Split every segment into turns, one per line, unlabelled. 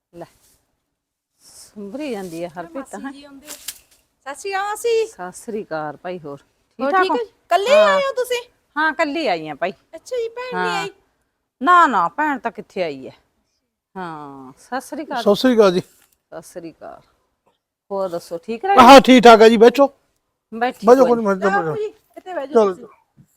ਲੈ ਸੰਭਰੀ ਜਾਂਦੀ ਹੈ ਹਰਪ੍ਰੀਤ ਹੈ।
ਸਤਿ ਸ਼੍ਰੀ ਅਕਾਲ ਮਾਸੀ।
ਸਤਿ ਸ੍ਰੀ ਅਕਾਲ ਭਾਈ। ਹੋਰ
ਹੋਰ
ਠੀਕ
ਠੀਕ
ਠਾਕ
ਹੈ?
ਹੋ?
ਕੱਲੇ ਹੀ ਆਏ ਹੋ ਤੁਸੀਂ?
ਹਾਂ ਕੱਲੀ ਆਈ ਆ ਭਾਈ।
ਅੱਛਾ ਜੀ, ਭੈਣ ਨਹੀਂ
ਹਾਂ
ਆਈ?
ਨਾ ਨਾ ਭੈਣ ਤਾਂ ਕਿੱਥੇ ਆਈ ਹੈ। ਹਾਂ ਸਤਿ ਸ੍ਰੀ ਅਕਾਲ।
ਸਤਿ ਸ੍ਰੀ ਅਕਾਲ ਜੀ।
ਸਤਿ ਸ੍ਰੀ ਅਕਾਲ। ਹੋਰ ਦੱਸੋ ਠੀਕ ਰਹੇ?
ਹਾਂ ਠੀਕ ਠਾਕ ਹੈ ਜੀ, ਬੈਠੋ
ਬੈਠੀ
ਬੈਠੋ
ਕੋਈ
ਕੋਈ
ਨੀ।
ਮਿੰਟ
ਬਾਪੂ ਜੀ ਇੱਥੇ ਬਹਿ ਜਾਓ
ਚਲ।
ਤੁਸੀਂ।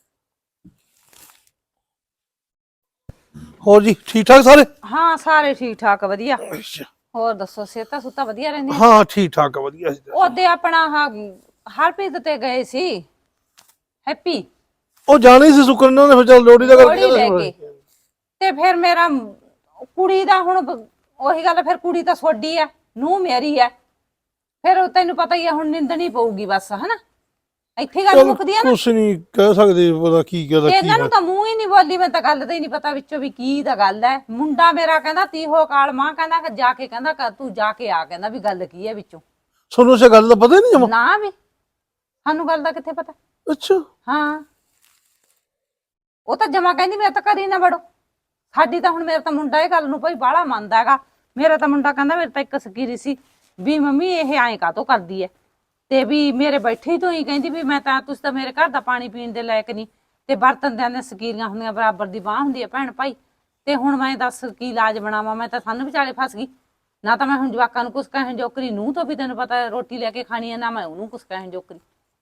ਹੋਰ ਜੀ ਠੀਕ ਠਾਕ ਸਾਰੇ?
ਹਾਂ ਸਾਰੇ ਠੀਕ ਠਾਕ ਵਧੀਆ।
ਅੱਛਾ।
ਹੋਰ ਦੱਸੋ ਸਿਹਤਾਂ ਸੁੱਤਾ ਵਧੀਆ ਰਹਿੰਦੀਆਂ?
ਹਾਂ ਠੀਕ ਠਾਕ ਆ, ਵਧੀਆ ਜੀ।
ਉਹਦੇ ਆਪਣਾ ਹਰਪ੍ਰੀਤ ਤੇ ਗਏ ਸੀ ਹੈਪੀ
ਉਹ ਜਾਣੇ ਸੀ ਸੁੱਕਣ ਨੇ, ਫਿਰ ਚੱਲ ਲੋੜੀ ਦਾ ਕਰਕੇ
ਲੋਹੜੀ ਲੈ ਕੇ।
ਕਹਿੰਦਾ
ਤੇ ਫਿਰ ਮੇਰਾ ਕੁੜੀ ਦਾ ਹੁਣ ਉਹੀ ਗੱਲ, ਫਿਰ ਕੁੜੀ ਤਾਂ ਸੋਡੀ ਐ, ਨੂੰਹ ਮੇਰੀ ਐ, ਫਿਰ ਤੈਨੂੰ ਪਤਾ ਹੀ ਆ ਹੁਣ ਨਿੰਦਣੀ ਪਊਗੀ ਬਸ, ਹਨਾ ਇੱਥੇ ਗੱਲ
ਚਲ
ਮੁੱਕਦੀ ਆ ਨਾ।
ਕੁਛ ਨਹੀਂ ਕਹਿ ਸਕਦੇ, ਪਤਾ ਕੀ ਕਹਦਾ
ਤੇ
ਕੀ
ਇਹਨਾਂ
ਹੈ।
ਨੂੰ ਤਾਂ ਮੂੰਹ ਹੀ ਨਹੀਂ ਬੋਲੀ, ਮੈਂ ਤਾਂ ਗੱਲ ਦਾ ਹੀ ਨਹੀਂ ਪਤਾ ਵਿੱਚੋਂ ਵੀ ਕੀ ਦਾ ਗੱਲ ਐ। ਮੁੰਡਾ ਮੇਰਾ ਕਹਿੰਦਾ ਤੀਹੋ ਕਾਲ ਮਾਂ ਕਹਿੰਦਾ ਕਿ ਜਾ ਕੇ ਕਹਿੰਦਾ ਤੂੰ ਜਾ ਕੇ ਆ, ਕਹਿੰਦਾ ਵੀ ਗੱਲ ਕੀ ਐ ਵਿੱਚੋਂ।
ਤੁਹਾਨੂੰ ਇਹ ਗੱਲ ਦਾ ਪਤਾ ਹੀ ਨਹੀਂ ਜਮਾ?
ਨਾ ਵੀ ਸਾਨੂੰ ਗੱਲ ਦਾ ਕਿੱਥੇ ਪਤਾ।
ਅੱਛਾ।
ਹਾਂ ਉਹ ਤਾਂ ਜਮਾ ਕਹਿੰਦੀ ਮੇਰੇ ਤਾਂ ਘਰੇ ਨਾ ਵੜੋ। ਸਾਡੀ ਤਾਂ ਹੁਣ ਮੇਰਾ ਤਾਂ ਮੁੰਡਾ ਇਹ ਗੱਲ ਨੂੰ ਭਾਈ ਬਾਹਲਾ ਮੰਨਦਾ ਹੈਗਾ। ਮੇਰਾ ਤਾਂ ਮੁੰਡਾ ਕਹਿੰਦਾ ਮੇਰੇ ਤਾਂ ਇੱਕ ਸਕੀਰੀ ਸੀ ਵੀ ਮੰਮੀ ਇਹ ਐਂ ਕਾਹਤੋਂ ਕਰਦੀ ਐ, ਤੇ ਵੀ ਮੇਰੇ ਬੈਠੇ ਤੋਂ ਹੀ ਕਹਿੰਦੀ ਵੀ ਮੈਂ ਤਾਂ ਤੁਸੀਂ ਤਾਂ ਮੇਰੇ ਘਰ ਦਾ ਪਾਣੀ ਪੀਣ ਦੇ ਲਾਇਕ ਨਹੀਂ, ਤੇ ਬਰਤਨ ਦੀਆਂ ਸਕੀਰੀਆਂ ਹੁੰਦੀਆਂ ਬਰਾਬਰ ਦੀ ਬਾਂਹ ਹੁੰਦੀ ਹੈ ਭੈਣ ਭਾਈ, ਤੇ ਹੁਣ ਮੈਂ ਦੱਸ ਕੀ ਇਲਾਜ ਬਣਾਵਾਂ। ਮੈਂ ਤਾਂ ਸਾਨੂੰ ਵਿਚਾਲੇ ਫਸ ਗਈ ਨਾ, ਤਾਂ ਮੈਂ ਹੁਣ ਜਵਾਕਾਂ ਨੂੰ ਕੁਛ ਕਹਿਣ ਜੋਕਰੀ, ਨੂੰ ਤੋਂ ਵੀ ਤੈਨੂੰ ਪਤਾ ਰੋਟੀ ਲੈ ਕੇ ਖਾਣੀ ਹੈ ਨਾ, ਮੈਂ ਉਹਨੂੰ ਕੁਛ ਕਹਿਣ ਜੋਕਰੀ।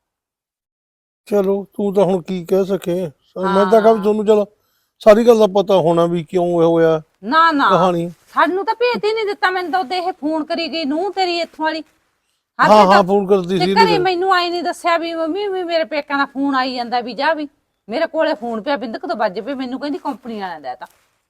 ਚਲੋ ਤੂੰ ਤਾਂ ਹੁਣ ਕੀ ਕਹਿ ਸਕੇ। ਮੈਂ ਤਾਂ ਕਹਾਂ
ਹਾਂ
ਤੁਹਾਨੂੰ ਚਲ ਸਾਰੀ ਗੱਲ ਦਾ ਪਤਾ ਹੋਣਾ ਵੀ ਕਿਉਂ ਇਹ ਹੋਇਆ
ਨਾ ਨਾ
ਕਹਾਣੀ।
ਸਾਨੂੰ ਤਾਂ ਭੇਤ ਹੀ ਨਹੀਂ ਦਿੱਤਾ। ਮੈਨੂੰ ਤਾਂ ਉਹਦੇ ਇਹ ਫੋਨ ਕਰੀ ਗਈ ਨੂੰ ਤੇਰੀ ਇੱਥੋਂ ਵਾਲੀ।
ਹਾਂ ਹਾਂ ਫੋਨ ਕਰਦੀ
ਤੇ
ਸੀ
ਘਰੇ ਮੈਨੂੰ ਆਈ ਨਹੀਂ ਦੱਸਿਆ ਵੀ ਮੰਮੀ ਵੀ ਮੇਰੇ ਪੇਕਾਂ ਦਾ ਫੋਨ ਆਈ ਜਾਂਦਾ ਵੀ ਜਾ ਵੀ ਮੇਰੇ ਕੋਲੇ ਫੋਨ ਪਿਆ ਬਿੰਦਕ ਤੋਂ ਵੱਜ ਪਏ, ਮੈਨੂੰ ਕਹਿੰਦੀ ਕੰਪਨੀ ਵਾਲਿਆਂ ਦਾ ਤਾਂ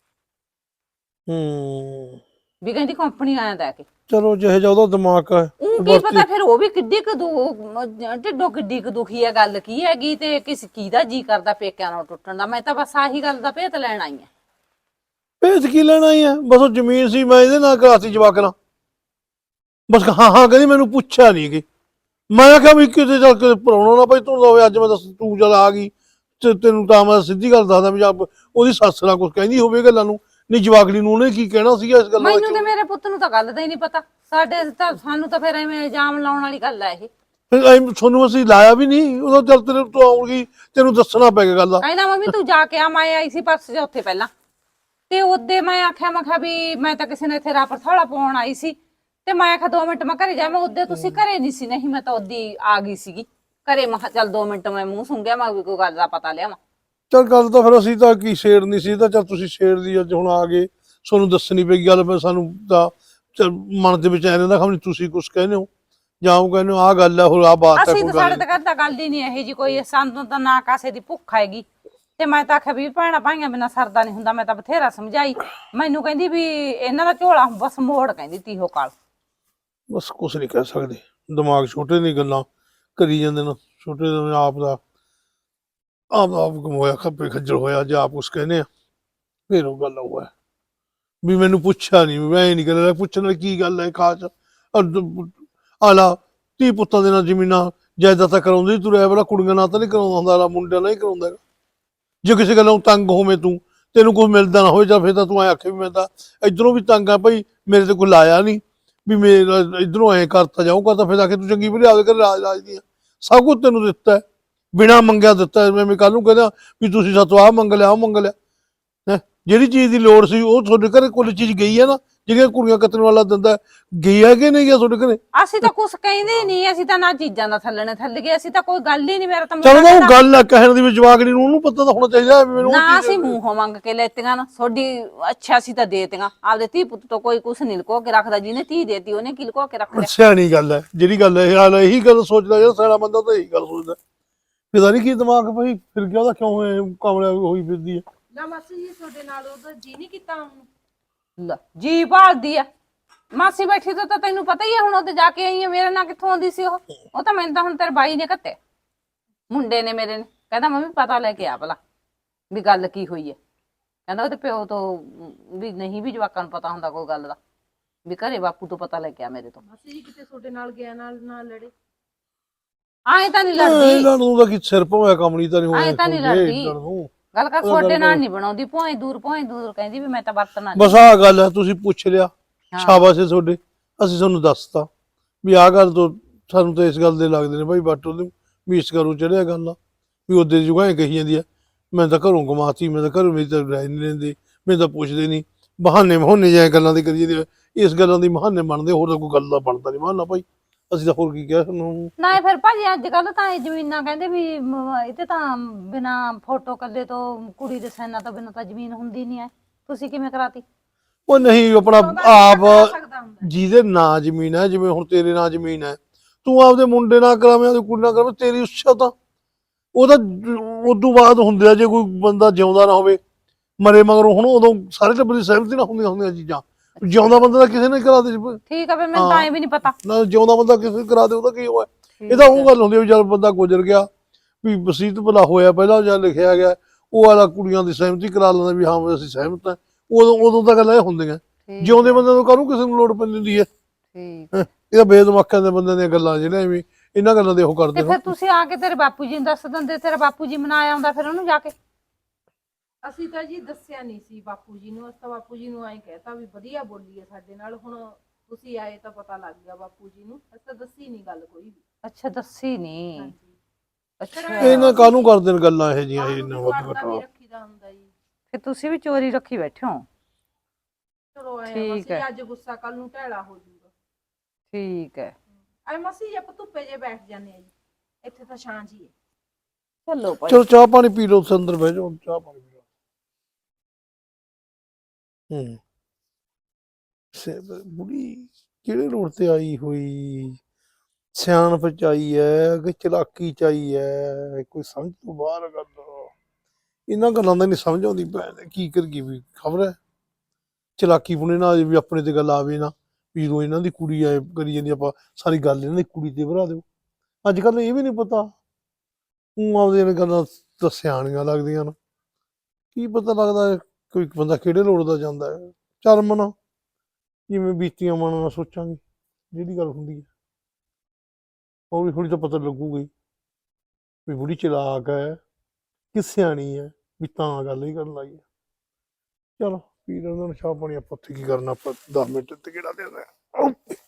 ਵੀ ਕਹਿੰਦੀ ਕੰਪਨੀ ਵਾਲਿਆਂ ਦਾ ਕਿ
ਚਲੋ ਜਿਹੇ ਜਿਹਾ ਉਹਦਾ ਦਿਮਾਗ ਹੈ।
ਉਹ ਕੀ ਪਤਾ ਫਿਰ ਉਹ ਵੀ ਕਿੱਡੀ ਕੁ ਢਿੱਡੋਂ ਕਿੱਡੀ ਕੁ ਦੁਖੀ ਹੈ, ਗੱਲ ਕੀ ਹੈਗੀ ਤੇ ਕਿਸ ਕੀ ਦਾ ਜੀ ਕਰਦਾ ਪੇਕਿਆਂ ਨਾਲ ਟੁੱਟਣ ਦਾ। ਮੈਂ ਤਾਂ ਬਸ ਆਹੀ ਗੱਲ ਦਾ ਭੇਤ ਲੈਣ ਆਈ ਆ।
ਭੇਜ ਕੀ ਲੈਣਾ ਹੀ ਹੈ, ਬਸ ਉਹ ਜ਼ਮੀਨ ਸੀ ਮੈਂ ਇਹਦੇ ਨਾਲ ਕਰਾਤੀ ਜਵਾਕ ਨਾਲ, ਬਸ ਹਾਂ ਹਾਂ ਕਹਿੰਦੀ ਮੈਨੂੰ ਪੁੱਛਿਆ ਨਹੀਂ ਕਿ ਮੈਂ ਕਿਹਾ ਵੀ ਕਿਤੇ ਚੱਲ ਕੇ ਪਰਾਉਣਾ ਨਾ ਭਾਈ ਤੂੰ ਹੋਵੇ ਅੱਜ। ਮੈਂ ਦੱਸ ਤੂੰ ਚੱਲ ਆ ਗਈ ਤੇ ਤੈਨੂੰ ਤਾਂ ਮੈਂ ਸਿੱਧੀ ਗੱਲ ਦੱਸਦਾ ਵੀ ਉਹਦੀ ਸੱਸ ਨਾਲ ਕੁਝ ਕਹਿੰਦੀ ਹੋਵੇ ਗੱਲਾਂ ਨੂੰ, ਨਹੀਂ ਜਵਾਕੜੀ ਨੂੰ ਉਹਨੇ ਕੀ ਕਹਿਣਾ ਸੀਗਾ ਇਸ ਗੱਲ ਦਾ।
ਮੈਨੂੰ ਤੇ ਮੇਰੇ ਪੁੱਤ ਨੂੰ ਤਾਂ ਗੱਲ ਦਾ ਹੀ ਨਹੀਂ ਪਤਾ। ਸਾਡੇ ਤਾਂ ਸਾਨੂੰ ਤਾਂ ਫਿਰ ਐਵੇਂ ਇਲਜ਼ਾਮ ਲਾਉਣ ਵਾਲੀ ਗੱਲ ਹੈ ਇਹ।
ਫਿਰ ਤੁਹਾਨੂੰ ਅਸੀਂ ਲਾਇਆ ਵੀ ਨਹੀਂ ਉਦੋਂ, ਚੱਲ ਤੇਰੇ ਤੋਂ ਆਉਗੀ ਤੈਨੂੰ ਦੱਸਣਾ ਪੈ ਗਿਆ ਗੱਲ ਦਾ।
ਕਹਿੰਦਾ ਮੰਮੀ ਤੂੰ ਜਾ ਕੇ ਆ, ਮੈਂ ਆਈ ਸੀ ਪਰਸ ਉੱਥੇ ਪਹਿਲਾਂ, ਤੇ ਉਹਦੇ ਮੈਂ ਆਖਿਆ ਮੈਂ ਕਿਹਾ ਵੀ ਮੈਂ ਤਾਂ ਕਿਸੇ ਨੇ ਇੱਥੇ ਰਾਪਰ ਥੋੜਾ ਪਾਉਣ ਆਈ ਸੀ, ਤੇ ਮੈਂ ਆਖਿਆ 2 ਮਿੰਟ ਮੈਂ ਘਰੇ ਜਾ। ਮੈਂ ਉਹਦੇ ਤੁਸੀਂ ਘਰੇ ਨਹੀਂ ਸੀ, ਨਹੀਂ ਮੈਂ ਤਾਂ ਉਹਦੀ ਆ ਗਈ ਸੀਗੀ ਘਰੇ। ਮੈਂ ਕਿਹਾ ਚੱਲ 2 ਮਿੰਟ ਮੈਂ ਮੂੰਹ ਸੁੰਘਿਆ, ਮੈਂ ਵੀ ਕੋਈ ਗੱਲ ਦਾ ਪਤਾ ਲਿਆਵਾਂ।
ਚੱਲ ਗੱਲ ਤਾਂ ਫਿਰ ਅਸੀਂ ਤਾਂ ਕੀ ਛੇੜਨੀ ਸੀ, ਤਾਂ ਚੱਲ ਤੁਸੀਂ ਛੇੜ ਦੀ ਅੱਜ ਹੁਣ ਆ ਗਏ, ਤੁਹਾਨੂੰ ਦੱਸਣੀ ਪਈ ਗੱਲ। ਫਿਰ ਸਾਨੂੰ ਤਾਂ ਚੱਲ ਮਨ ਦੇ ਵਿੱਚ ਐ ਰਹਿੰਦਾ ਖਮਣੀ ਤੁਸੀਂ ਕੁਛ ਕਹਿੰਦੇ ਹੋ ਜਾਂ ਉਹ ਕਹਿੰਦੇ ਹੋ ਆਹ ਗੱਲ ਹੈ, ਹੋਰ ਆਹ ਬਾਤ ਹੈ
ਅਸੀਂ
ਕੋਈ
ਤਾਂ ਸਾਡੇ
ਗੱਲ।
ਤਾਂ ਘਰ ਤਾਂ ਗੱਲ ਹੀ ਨਹੀਂ ਇਹੋ ਜੀ ਕੋਈ, ਸਾਨੂੰ ਤਾਂ ਨਾ ਕਾਸੇ ਦੀ ਭੁੱਖ ਹੈਗੀ। ਤੇ ਮੈਂ ਤਾਂ ਆਖਿਆ ਵੀ ਭੈਣਾਂ ਭਾਈਆਂ ਬਿਨਾਂ ਸਰਦਾ ਨਹੀਂ ਹੁੰਦਾ। ਮੈਂ ਤਾਂ ਬਥੇਰਾ ਸਮਝਾਈ, ਮੈਨੂੰ ਕਹਿੰਦੀ ਵੀ ਇਹਨਾਂ ਦਾ ਝੋਲਾ ਬਸ ਮੋੜ, ਕਹਿੰਦੀ ਤੀਹੋ ਕਾਲ।
ਬਸ ਕੁਛ ਨਹੀਂ ਕਹਿ ਸਕਦੇ, ਦਿਮਾਗ ਛੋਟੇ ਦੀ ਗੱਲਾਂ ਕਰੀ ਜਾਂਦੇ ਨੇ। ਛੋਟੇ ਦਾ ਆਪ ਕਮੋਇਆ ਖੱਪੇ ਖੱਜਲ ਹੋਇਆ ਜੇ ਆਪ ਕੁਛ ਕਹਿੰਦੇ ਆ, ਫਿਰ ਉਹ ਗੱਲ ਹੋਇਆ ਵੀ ਮੈਨੂੰ ਪੁੱਛਿਆ ਨਹੀਂ। ਮੈਂ ਨਹੀਂ ਕਹਿੰਦਾ ਪੁੱਛਣ ਵਾਲੀ ਕੀ ਗੱਲ ਹੈ ਖਾਸ। ਆਲਾ ਧੀ ਪੁੱਤਾਂ ਦੇ ਨਾਲ ਜ਼ਮੀਨਾਂ ਜਾਇਦਾਦਾਂ ਕਰਾਉਂਦੇ ਤੁਰਿਆ ਵਾਲਾ, ਕੁੜੀਆਂ ਨਾਲ ਤਾਂ ਨਹੀਂ ਕਰਾਉਂਦਾ ਹੁੰਦਾ, ਆਲਾ ਮੁੰਡਿਆਂ ਨਾਲ ਹੀ ਕਰਾਉਂਦਾ ਹੈਗਾ। ਜੇ ਕਿਸੇ ਗੱਲੋਂ ਤੰਗ ਹੋਵੇਂ ਤੂੰ, ਤੈਨੂੰ ਕੁਛ ਮਿਲਦਾ ਨਾ ਹੋਵੇ, ਜਾਂ ਫਿਰ ਤਾਂ ਤੂੰ ਐ ਆਖੇ ਵੀ ਮੈਂ ਤਾਂ ਇੱਧਰੋਂ ਵੀ ਤੰਗ ਆ ਭਾਈ, ਮੇਰੇ ਤੇ ਕੋਈ ਲਾਇਆ ਨਹੀਂ ਵੀ ਮੇਰਾ ਇੱਧਰੋਂ ਐਂ ਕਰਤਾ ਜਾਊਗਾ, ਤਾਂ ਫਿਰ ਆ ਕੇ ਤੂੰ ਚੰਗੀ ਭਲੀ ਆਪਦੇ ਘਰ ਰਾਜ ਦੀਆਂ ਸਭ ਕੁਝ ਤੈਨੂੰ ਦਿੱਤਾ ਹੈ, ਬਿਨਾਂ ਮੰਗਿਆ ਦਿੱਤਾ। ਮੈਂ ਕੱਲ ਨੂੰ ਕਹਿੰਦਾ ਵੀ ਤੁਸੀਂ ਸਾਤੋਂ ਆਹ ਮੰਗ ਲਿਆ, ਆਹ ਮੰਗ ਲਿਆ। ਜਿਹੜੀ ਚੀਜ਼ ਦੀ ਲੋੜ ਸੀ ਉਹ ਤੁਹਾਡੇ ਘਰੇ ਕੁੱਲ ਚੀਜ਼ ਗਈ ਹੈ ਨਾ, ਜਿਹੜੀਆਂ ਕੁੜੀਆਂ ਕੱਤਣ ਵਾਲਾ ਦਿੰਦਾ ਗਈ ਹੈ ਕਿ ਨਹੀਂ ਗਿਆ ਤੁਹਾਡੇ ਘਰੇ?
ਅਸੀਂ ਤਾਂ ਕੁਛ ਕਹਿੰਦੇ ਹੀ ਨਹੀਂ, ਅਸੀਂ ਤਾਂ ਨਾ ਚੀਜ਼ਾਂ ਦਾ ਥੱਲਣੇ ਥੱਲ ਗਏ, ਅਸੀਂ ਤਾਂ ਕੋਈ ਗੱਲ ਹੀ ਨਹੀਂ। ਮੇਰਾ ਤਾਂ
ਚਲੋ
ਮੁੰਡਾ
ਉਹ ਗੱਲ ਆ ਕਹਿਣ ਦੀ ਵੀ ਜਵਾਕੜੀ ਨੂੰ ਉਹਨੂੰ ਪਤਾ ਤਾਂ ਹੋਣਾ ਚਾਹੀਦਾ ਵੀ ਮੈਨੂੰ ਉਹ
ਨਾ,
ਚੀਜ਼।
ਅਸੀਂ ਮੂੰਹੋਂ ਮੰਗ ਕੇ ਲੈਤੀਆਂ ਨਾ ਤੁਹਾਡੀ। ਅੱਛਾ ਅਸੀਂ ਤਾਂ ਦੇਤੀਆਂ ਆਪਦੇ ਧੀ ਪੁੱਤ ਤੋਂ, ਕੋਈ ਕੁਛ ਨਹੀਂ ਲੁਕੋ ਕੇ ਰੱਖਦਾ। ਜਿਹਨੇ ਧੀ ਦੇਤੀ ਉਹਨੇ ਕੀ ਲੁਕੋ ਕੇ ਰੱਖ ਲਿਆ।
ਸਿਆਣੀ ਗੱਲ ਹੈ ਜਿਹੜੀ ਗੱਲ ਹੈ, ਹਾਲ ਇਹੀ ਗੱਲ ਸੋਚਦਾ ਜਿਹੜਾ ਸਿਆਣਾ ਬੰਦਾ ਤਾਂ ਇਹੀ ਗੱਲ ਸੋਚਦਾ। ਪਤਾ ਨਹੀਂ ਕੀ ਦਿਮਾਗ ਭਾਈ ਫਿਰ ਗਿਆ ਉਹਦਾ, ਕਿਉਂ ਕਮਲਿਆ ਹੋਈ ਫਿਰਦੀ ਹੈ।
ਨਾ ਮਾਸੀ ਜੀ ਤੁਹਾਡੇ ਨਾਲ ਉਹਦਾ ਜੀ ਨਹੀਂ ਕੀਤਾ ਹੁਣ?
ਲੈ ਜੀ ਭਾਲਦੀ ਆ ਮਾਸੀ ਬੈਠੀ ਤੋਂ, ਤਾਂ ਤੈਨੂੰ ਪਤਾ ਹੀ ਹੈ ਹੁਣ ਉੱਥੇ ਜਾ ਕੇ ਆਈ ਆ। ਮੇਰੇ ਨਾਲ ਕਿੱਥੋਂ ਆਉਂਦੀ ਸੀ ਉਹ ਤਾਂ ਮੈਨੂੰ ਤਾਂ ਹੁਣ ਤੇਰੇ ਬਾਈ ਨੇ ਘੱਤੇ, ਮੁੰਡੇ ਨੇ ਮੇਰੇ ਨੇ। ਕਹਿੰਦਾ ਮੰਮੀ ਪਤਾ ਲੈ ਕੇ ਆ ਭਲਾ ਵੀ ਗੱਲ ਕੀ ਹੋਈ ਹੈ। ਕਹਿੰਦਾ ਉਹਦੇ ਪਿਓ ਤੋਂ ਵੀ ਨਹੀਂ ਵੀ ਜਵਾਕਾਂ ਨੂੰ ਪਤਾ ਹੁੰਦਾ ਕੋਈ ਗੱਲ ਦਾ, ਵੀ ਘਰੇ ਬਾਪੂ ਤੋਂ ਪਤਾ ਲੈ ਕੇ ਆ ਮੇਰੇ ਤੋਂ।
ਮਾਸੀ ਜੀ ਕਿਤੇ ਤੁਹਾਡੇ ਨਾਲ ਗਿਆ ਨਾਲ ਲੜੇ?
ਆਏ ਤਾਂ ਨਹੀਂ ਲੜਦੀ,
ਇਹਨਾਂ ਨੂੰ ਤਾਂ ਕੀ ਸਿਰ ਭੋਇਆ ਕਮਲੀ ਤਾਂ ਨਹੀਂ
ਆਏ ਤਾਂ ਨਹੀਂ ਲੜਦੀ।
ਹੋਇਆ।
ਗੱਲ ਕਰ ਤੁਹਾਡੇ ਨਾਲ ਨਹੀਂ ਬਣਾਉਂਦੀ, ਭੋਏ ਦੂਰ ਕਹਿੰਦੀ ਵੀ ਮੈਂ ਤਾਂ ਵਰਤਣਾ ਨੀ।
ਬਸ ਆਹ ਗੱਲ ਹੈ, ਤੁਸੀਂ ਪੁੱਛ ਲਿਆ
ਹਾਂ।
ਸ਼ਾਬਾਸ਼ ਏ ਤੁਹਾਡੇ, ਅਸੀਂ ਤੁਹਾਨੂੰ ਦੱਸਤਾ ਵੀ ਆਹ ਗੱਲ ਤੋਂ ਸਾਨੂੰ ਤਾਂ ਇਸ ਗੱਲ ਦੇ ਲੱਗਦੇ ਨੇ ਭਾਈ ਬਾਟੋ ਦੇ ਵੀ ਇਸ ਘਰੋਂ ਚੜਿਆ ਗੱਲ ਆ ਵੀ ਉਹਦੇ ਜੁਗਾਂ ਕਹੀ ਜਾਂਦੀ ਆ ਮੈਂ ਤਾਂ ਘਰੋਂ ਕਮਾਤੀ, ਮੈਂ ਤਾਂ ਘਰੋਂ, ਮੇਰੀ ਤਾਂ ਰਾਏ ਨਹੀਂ ਲੈਂਦੇ, ਮੈਨੂੰ ਤਾਂ ਪੁੱਛਦੇ ਨਹੀਂ, ਬਹਾਨੇ ਬਹਾਨੇ ਜਿਹੇ ਗੱਲਾਂ ਦੀ ਕਰੀ ਜਾਂਦੇ ਆ। ਇਸ ਗੱਲਾਂ ਦੀ ਬਹਾਨੇ ਬਣਦੇ, ਹੋਰ ਤਾਂ ਕੋਈ ਗੱਲ ਦਾ ਬਣਦਾ ਨਹੀਂ ਬਹਾਨਾ ਭਾਈ, ਅਸੀਂ ਤਾਂ ਹੋਰ ਕੀ ਕਿਹਾ ਤੁਹਾਨੂੰ।
ਨਾ ਫਿਰ ਭਾਜੀ ਅੱਜ ਕੱਲ ਤਾਂ ਇਹ ਜ਼ਮੀਨਾਂ ਕਹਿੰਦੇ ਵੀ ਇਹ ਤੇ ਤਾਂ ਬਿਨਾ ਫੋਟੋ ਕੱਲੇ ਤੋਂ ਕੁੜੀ ਦੇ ਸਾਈਨਾਂ ਤੋਂ ਬਿਨਾਂ ਤਾਂ ਜ਼ਮੀਨ ਹੁੰਦੀ ਨਹੀਂ ਐ, ਤੁਸੀਂ ਕਿਵੇਂ ਕਰਾਤੀ?
ਉਹ ਨਹੀਂ ਆਪਣਾ
ਕਰਾ
ਆਪ
ਸਕਦਾ ਹੁੰਦਾ।
ਜਿਹਦੇ ਨਾਂ ਜ਼ਮੀਨ ਹੈ, ਜਿਵੇਂ ਹੁਣ ਤੇਰੇ ਨਾਂ ਜ਼ਮੀਨ ਹੈ, ਤੂੰ ਆਪਦੇ ਮੁੰਡੇ ਨਾਲ ਕਰਾਵੇਂ, ਆਪਦੀ ਕੁੜੀ ਨਾਲ ਕਰਾਵੇਂ, ਤੇਰੀ ਉੱਛਾ ਤਾਂ ਉਹਦਾ ਉਦੋਂ ਬਾਅਦ ਹੁੰਦੇ ਆ, ਜੇ ਕੋਈ ਬੰਦਾ ਜਿਉਂਦਾ ਨਾ ਹੋਵੇ ਮਰੇ ਮਗਰੋਂ, ਹੁਣ ਉਦੋਂ ਸਾਰੇ ਟੱਬਰ ਦੀ ਸਹਿਮਤੀ ਨਾਲ ਹੁੰਦੀਆਂ ਚੀਜ਼ਾਂ। ਜਿਉਂਦਾ ਬੰਦਾ ਤਾਂ ਕਿਸੇ ਨੇ ਕਰਾ ਦੇ,
ਠੀਕ ਆ, ਫਿਰ ਮੈਨੂੰ ਤਾਂ ਐ ਵੀ ਨਹੀਂ ਪਤਾ
ਨਾ ਜਿਉਂਦਾ ਬੰਦਾ ਕਿਸੇ ਨੇ ਕਰਾ ਦੇ ਉਹਦਾ ਕੀ ਹੋਇਆ। ਇਹ ਤਾਂ ਉਹ ਗੱਲ ਹੁੰਦੀ ਆ ਵੀ ਜਦ ਬੰਦਾ ਗੁਜ਼ਰ ਗਿਆ ਵੀ ਵਸੀਅਤ ਭਲਾ ਹੋਇਆ ਪਹਿਲਾਂ ਜਾਂ ਲਿਖਿਆ ਗਿਆ, ਉਹ ਵਾਲਾ ਕੁੜੀਆਂ ਦੀ ਸਹਿਮਤੀ ਕਰਾ ਲੈਂਦਾ ਵੀ ਹਾਂ ਵੀ ਅਸੀਂ ਸਹਿਮਤ ਹਾਂ, ਉਦੋਂ ਤਾਂ ਗੱਲਾਂ ਇਹ ਹੁੰਦੀਆਂ। ਜਿਉਂਦੇ ਬੰਦੇ ਨੂੰ ਕਾਹਨੂੰ ਕਿਸੇ ਨੂੰ ਲੋੜ ਪੈਂਦੀ ਹੁੰਦੀ ਹੈ।
ਠੀਕ
ਇਹ ਤਾਂ ਬੇਦਮਾਕਾਂ ਦੇ ਬੰਦੇ ਦੀਆਂ ਗੱਲਾਂ ਜਿਹੜੇ ਐਵੇਂ ਇਹਨਾਂ ਗੱਲਾਂ ਦੇ ਉਹ
ਤੇ
ਕਰਦੇ
ਫਿਰ ਤੁਸੀਂ ਆ ਕੇ ਤੇਰੇ ਬਾਪੂ ਜੀ ਨੂੰ ਦੱਸ ਦਿੰਦੇ, ਤੇਰਾ ਬਾਪੂ ਜੀ ਮਨਾਇਆ ਆਉਂਦਾ ਫਿਰ ਉਹਨੂੰ ਜਾ ਕੇ।
ਅਸੀਂ ਤਾਂ ਜੀ ਦੱਸਿਆ ਨਹੀਂ ਸੀ ਬਾਪੂ ਜੀ ਨੂੰ, ਅਸੀਂ ਤਾਂ ਬਾਪੂ ਜੀ ਨੂੰ ਐਂ ਕਹਿਤਾ ਵੀ ਵਧੀਆ ਬੋਲੀ ਹੈ ਸਾਡੇ ਨਾਲ, ਹੁਣ ਤੁਸੀਂ ਆਏ ਤਾਂ ਪਤਾ ਲੱਗ ਗਿਆ ਬਾਪੂ ਜੀ ਨੂੰ, ਅਸੀਂ ਤਾਂ ਦੱਸੀ ਨਹੀਂ ਗੱਲ ਕੋਈ ਵੀ।
ਅੱਛਾ ਦੱਸੀ ਨਹੀਂ।
ਹਾਂਜੀ।
ਅੱਛਾ
ਇਹਨਾਂ ਕਾਹਨੂੰ ਕਰਦੇ ਨੇ ਗੱਲਾਂ ਇਹ ਜਿਹੀਆਂ ਇਹਨਾਂ ਵੱਧ
ਪਰਦਾ ਵੀ
ਘਟਾ।
ਰੱਖੀਦਾ ਹੁੰਦਾ ਜੀ।
ਫਿਰ ਤੁਸੀਂ ਵੀ ਚੋਰੀ ਰੱਖੀ ਬੈਠੇ ਹੋ।
ਚਲੋ ਐ
ਠੀਕ
ਮਸੀ
ਹੈ।
ਅੱਜ ਗੁੱਸਾ ਕੱਲ ਨੂੰ ਢੈਲਾ ਹੋ ਜਾਊਗਾ।
ਠੀਕ ਹੈ,
ਐ ਮਸੀ ਜੇ ਆਪਾਂ ਧੁੱਪੇ ਜੇ ਬੈਠ ਜਾਂਦੇ ਆ ਜੀ, ਇੱਥੇ ਤਾਂ ਛਾਂ ਜੀ ਹੈ।
ਚਲੋ ਭਾਈ।
ਚਲੋ ਚਾਹ ਪਾਣੀ ਪੀ ਲਓ, ਅੰਦਰ ਬਹਿ ਜਾਓ, ਚਾਹ ਪਾਣੀ ਪੀ ਲਓ। ਬੁੜੀ ਕਿਹੜੇ ਰੋਡ ਤੇ ਆਈ ਹੋਈ, ਸਿਆਣਪ ਚ ਆਈ ਹੈ ਕਿ ਚਲਾਕੀ ਚ ਆਈ ਹੈ, ਕੋਈ ਸਮਝ ਤੋਂ ਬਾਹਰ ਗੱਲ। ਇਹਨਾਂ ਗੱਲਾਂ ਦਾ ਨਹੀਂ ਸਮਝ ਆਉਂਦੀ ਭੈਣ, ਕੀ ਕਰੀਏ ਵੀ ਖਬਰ ਹੈ ਚਲਾਕੀ ਪੁਣੇ ਨਾ ਵੀ ਆਪਣੇ ਤੇ ਗੱਲ ਆਵੇ ਨਾ ਵੀ ਜਦੋਂ ਇਹਨਾਂ ਦੀ ਕੁੜੀ ਐ ਕਰੀ ਜਾਂਦੀ ਆਪਾਂ ਸਾਰੀ ਗੱਲ ਇਹਨਾਂ ਦੀ ਕੁੜੀ ਤੇ ਭਰਾ ਦਿਓ। ਅੱਜ ਕੱਲ ਇਹ ਵੀ ਨਹੀਂ ਪਤਾ, ਉਹ ਆਪਦੀਆਂ ਗੱਲਾਂ ਤਾਂ ਸਿਆਣੀਆਂ ਲੱਗਦੀਆਂ ਨੇ, ਕੀ ਪਤਾ ਲੱਗਦਾ ਕੋਈ ਬੰਦਾ ਕਿਹੜੇ ਲੋੜ ਦਾ ਜਾਂਦਾ ਹੈ। ਚੱਲ ਮਨਾ ਜਿਵੇਂ ਬੀਤੀਆਂ ਮਨ ਨਾਲ ਸੋਚਾਂਗੇ, ਜਿਹੜੀ ਗੱਲ ਹੁੰਦੀ ਹੈ ਹੌਲੀ ਹੌਲੀ ਤਾਂ ਪਤਾ ਲੱਗੂਗਾ ਹੀ ਵੀ ਬੁੜੀ ਚਲਾਕ ਹੈ ਕਿ ਸਿਆਣੀ ਹੈ, ਵੀ ਤਾਂ ਗੱਲ ਹੀ ਕਰਨ ਲੱਗੀ। ਚਲੋ ਪੀ ਲੈਂਦੇ ਨੇ ਚਾਹ ਪਾਣੀ, ਆਪਾਂ ਉੱਥੇ ਕੀ ਕਰਨਾ, ਆਪਾਂ 10 ਮਿੰਟ ਤੇ ਕਿਹੜਾ ਦੇਣਾ।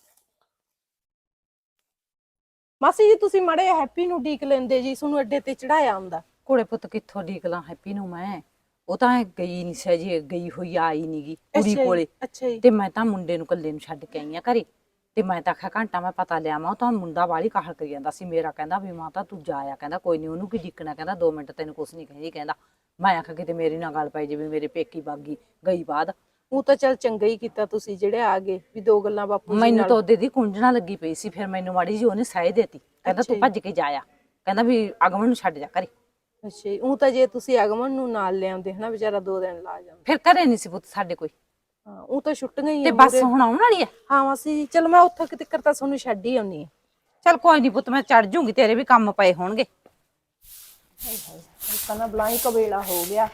ਮਾਸੀ ਜੀ ਤੁਸੀਂ ਮੜੇ ਹੈਪੀ ਨੂੰ ਡੀਕ ਲੈਂਦੇ ਜੀ, ਤੁਹਾਨੂੰ ਅੱਡੇ ਤੇ ਚੜਾਇਆ ਹੁੰਦਾ।
ਕੋਲੇ ਪੁੱਤ ਕਿੱਥੋਂ ਢੀਕਲਾਂ ਹੈਪੀ ਨੂੰ ਮੈਂ, ਉਹ ਤਾਂ ਗਈ ਨਹੀਂ ਸੀ ਜੀ, ਗਈ ਹੋਈ ਆਈ ਨੀ ਗੀ ਕੁੜੀ ਕੋਲੇ।
ਅੱਛਾ ਜੀ।
ਤੇ ਮੈਂ ਤਾਂ ਮੁੰਡੇ ਨੂੰ ਕੱਲੇ ਨੂੰ ਛੱਡ ਕੇ ਆਈ ਆ ਘਰੇ, ਤੇ ਮੈਂ ਤਾਂ ਆਖਿਆ ਘੰਟਾ ਮੈਂ ਪਤਾ ਲਿਆ ਉਹ ਤਾਂ ਮੁੰਡਾ ਵਾਲੀ ਕਾਹਲ ਕਰੀ ਜਾਂਦਾ ਸੀ ਮੇਰਾ, ਕਹਿੰਦਾ ਵੀ ਮਾਂ ਤਾਂ ਤੂੰ ਜਾਇਆ, ਕਹਿੰਦਾ ਕੋਈ ਨਹੀਂ ਉਹਨੂੰ ਕੀ ਡੀਕਣਾ, ਕਹਿੰਦਾ 2 ਮਿੰਟ ਤੈਨੂੰ ਕੁਛ ਨਹੀਂ ਕਹਿੰਦੀ, ਕਹਿੰਦਾ ਮੈਂ ਆਖਿਆ ਕਿਤੇ ਮੇਰੀ ਨਾਲ ਗੱਲ ਪਈ ਜਿਵੇਂ ਮੇਰੇ ਪੇਕੀ ਬਾਗੀ ਗਈ ਬਾਅਦ।
ਉਹ ਤਾਂ ਚੱਲ ਚੰਗਾ ਹੀ ਕੀਤਾ ਤੁਸੀਂ ਜਿਹੜੇ ਆ ਗਏ, ਵੀ 2 ਗੱਲਾਂ ਬਾਪੂ ਜੀ
ਮੈਨੂੰ
ਨਾਲ।
ਤਾਂ ਉਹਦੇ ਦੀ ਕੁੰਝਣਾ ਲੱਗੀ ਪਈ ਸੀ, ਫਿਰ ਮੈਨੂੰ ਮਾੜੀ ਜੀ ਉਹਨੇ ਸਹਿ ਦੇਤੀ, ਕਹਿੰਦਾ ਤੂੰ ਭੱਜ ਕੇ ਜਾਇਆ, ਕਹਿੰਦਾ ਵੀ ਅਗਮਨ ਨੂੰ ਛੱਡ ਜਾ ਘਰੇ।
ਅੱਛਾ ਜੀ। ਉਹ ਤਾਂ ਜੇ ਤੁਸੀਂ ਅਗਮਨ ਨੂੰ ਨਾਲ ਲਿਆਉਂਦੇ ਹਨਾ, ਵਿਚਾਰਾ 2 ਦਿਨ ਲਾ ਜਾਂਦਾ।
ਫਿਰ ਘਰੇ ਨਹੀਂ ਸੀ ਪੁੱਤ ਸਾਡੇ ਕੋਈ,
ਹਾਂ ਉਹ ਤਾਂ ਛੁੱਟੀਆਂ ਹੀ
ਤੇ
ਆ
ਬੱਸ
ਮੂਹਰੇ।
ਹੁਣ ਆਉਣ ਵਾਲੀ ਹੈ।
ਹਾਂ ਮਾਸੀ ਜੀ ਚਲ ਮੈਂ ਉੱਥੋਂ ਕਿਤੇ ਤਾਂ ਤੁਹਾਨੂੰ ਛੱਡ ਹੀ ਆਉਣੀ ਆ।
ਚੱਲ ਕੋਈ ਨਹੀਂ ਪੁੱਤ, ਮੈਂ ਚੜ ਜੂਗੀ, ਤੇਰੇ ਵੀ ਕੰਮ ਪਏ ਹੋਣਗੇ।
ਤਾਂ ਨਾ ਬਲਾਈ ਕਵੇਲਾ ਹੋ ਗਿਆ।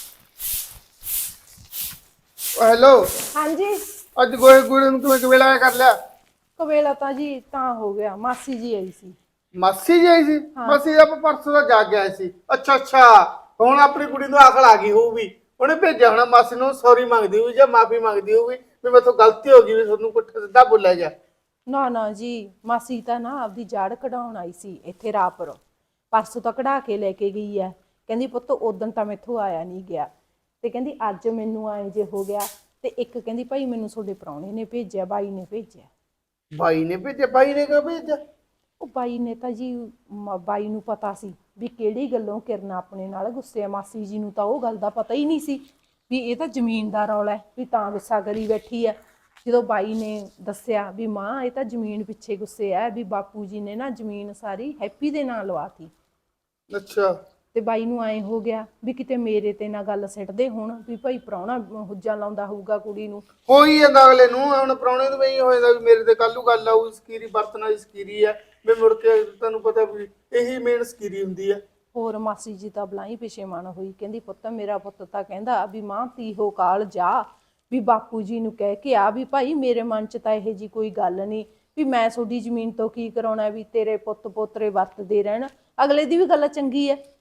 ਹੈਲੋ,
ਹਾਂਜੀ
ਅੱਜ ਗੋਏ ਗੂੜੇ ਨੂੰ ਕਿਵੇਂ ਵੇਲਾ ਕਰ ਲਿਆ?
ਕਵੇਲਾ ਤਾਂ ਜੀ ਤਾਂ ਹੋ ਗਿਆ, ਮਾਸੀ ਜੀ ਆਈ ਸੀ।
ਮਾਸੀ ਜੀ ਆਈ ਸੀ? ਮਾਸੀ ਆਪਾਂ ਪਰਸੋਂ ਦਾ ਜਾ ਕੇ ਆਏ ਸੀ। ਅੱਛਾ ਅੱਛਾ, ਹੁਣ ਆਪਣੀ ਕੁੜੀ ਨੂੰ ਅਕਲ ਆ ਗਈ ਹੋਊਗੀ, ਉਹਨੇ ਭੇਜਿਆ ਹੋਣਾ ਮਾਸੀ ਨੂੰ ਸੌਰੀ ਮੰਗਦੀ ਹੋਊਗੀ ਜਾਂ ਮਾਫੀ ਮੰਗਦੀ ਹੋਊਗੀ ਵੀ ਮੈਥੋਂ ਗਲਤੀ ਹੋ ਗਈ, ਵੀ ਤੁਹਾਨੂੰ ਪੁੱਠਾ ਸਿੱਧਾ ਬੋਲਿਆ ਜਾ।
ਨਾ ਨਾ ਜੀ, ਮਾਸੀ ਤਾਂ ਨਾ ਆਪਦੀ ਜੜ ਕਢਾਉਣ ਆਈ ਸੀ ਇੱਥੇ ਰਾਪੁਰ, ਪਰਸੋਂ ਤਾਂ ਕਢਾ ਕੇ ਲੈ ਕੇ ਗਈ ਐ। ਕਹਿੰਦੀ ਪੁੱਤ ਉਦਣ ਤਾਂ ਮੈਥੋਂ ਆਇਆ ਨਹੀਂ ਗਿਆ, ਤੇ ਕਹਿੰਦੀ ਅੱਜ ਮੈਨੂੰ ਆਏ ਜੇ ਹੋ ਗਿਆ, ਤੇ ਇੱਕ ਕਹਿੰਦੀ ਭਾਈ ਮੈਨੂੰ ਤੁਹਾਡੇ ਪ੍ਰਾਹੁਣੇ ਨੇ ਭੇਜਿਆ, ਬਾਈ ਨੇ ਭੇਜਿਆ।
ਬਾਈ ਨੇ ਭੇਜਿਆ? ਬਾਈ ਨੇ ਕਿਉਂ ਭੇਜਿਆ?
ਉਹ ਬਾਈ ਨੇ ਤਾਂ ਜੀ ਬਾਈ ਨੂੰ ਪਤਾ ਸੀ ਵੀ ਕਿਹੜੀ ਗੱਲੋਂ ਕਿਰਨ ਆਪਣੇ ਨਾਲ ਗੁੱਸੇ ਆ। ਮਾਸੀ ਜੀ ਨੂੰ ਤਾਂ ਉਹ ਗੱਲ ਦਾ ਪਤਾ ਹੀ ਨਹੀਂ ਸੀ ਵੀ ਇਹ ਤਾਂ ਜ਼ਮੀਨ ਦਾ ਰੌਲਾ ਹੈ, ਵੀ ਤਾਂ ਗੁੱਸਾ ਕਰੀ ਬੈਠੀ ਆ। ਜਦੋਂ ਬਾਈ ਨੇ ਦੱਸਿਆ ਵੀ ਮਾਂ ਇਹ ਤਾਂ ਜ਼ਮੀਨ ਪਿੱਛੇ ਗੁੱਸੇ ਆ, ਵੀ ਬਾਪੂ ਜੀ ਨੇ ਨਾ ਜ਼ਮੀਨ ਸਾਰੀ ਹੈਪੀ ਦੇ ਨਾਂ ਲਵਾਤੀ।
ਅੱਛਾ।
ਤੇ ਬਾਈ ਨੂੰ ਐਂ ਹੋ ਗਿਆ ਵੀ ਕਿਤੇ ਮੇਰੇ ਤੇ ਨਾ ਗੱਲ ਸਿੱਟਦੇ ਹੁਣ ਵੀ ਭਾਈ ਪ੍ਰਾਹੁਣਾ ਹੁੱਜਾ ਲਾਉਂਦਾ ਹੋਊਗਾ ਕੁੜੀ ਨੂੰ।
ਹੋ ਹੀ ਜਾਂਦਾ ਅਗਲੇ ਨੂੰ, ਹੁਣ ਪ੍ਰਾਹੁਣੇ ਨੂੰ ਵੀ ਹੋ ਜਾਂਦਾ ਵੀ ਮੇਰੇ ਤੇ ਕੱਲੂ ਗੱਲ ਆਊ, ਸਕੀਰੀ ਬਰਤਨ ਵਾਲੀ ਸਕੀਰੀ ਆ, ਵੀ ਮੁੜ ਕੇ ਤੁਹਾਨੂੰ ਪਤਾ ਵੀ ਇਹੀ ਮੇਨ ਸਕੀਰੀ ਹੁੰਦੀ ਆ।
ਹੋਰ ਮਾਸੀ ਜੀ ਤਾਂ ਬਲਾਈ ਪਿਛੇ ਮਨ ਹੋਈ, ਕਹਿੰਦੀ ਪੁੱਤ ਮੇਰਾ ਪੁੱਤ ਤਾਂ ਕਹਿੰਦਾ ਵੀ ਮਾਂ ਤੀਹੋ ਕਾਲ ਜਾ, ਵੀ ਬਾਪੂ ਜੀ ਨੂੰ ਕਹਿ ਕੇ ਆ ਵੀ ਭਾਈ ਮੇਰੇ ਮਨ 'ਚ ਤਾਂ ਇਹੋ ਜੀ ਕੋਈ ਗੱਲ ਨਹੀਂ, ਵੀ ਮੈਂ ਤੁਹਾਡੀ ਜ਼ਮੀਨ ਤੋਂ ਕੀ ਕਰਾਉਣਾ, ਵੀ ਤੇਰੇ ਪੁੱਤ ਪੋਤਰੇ ਵਰਤਦੇ ਰਹਿਣ। ਅਗਲੇ ਦੀ ਵੀ ਗੱਲ ਚੰਗੀ ਹੈ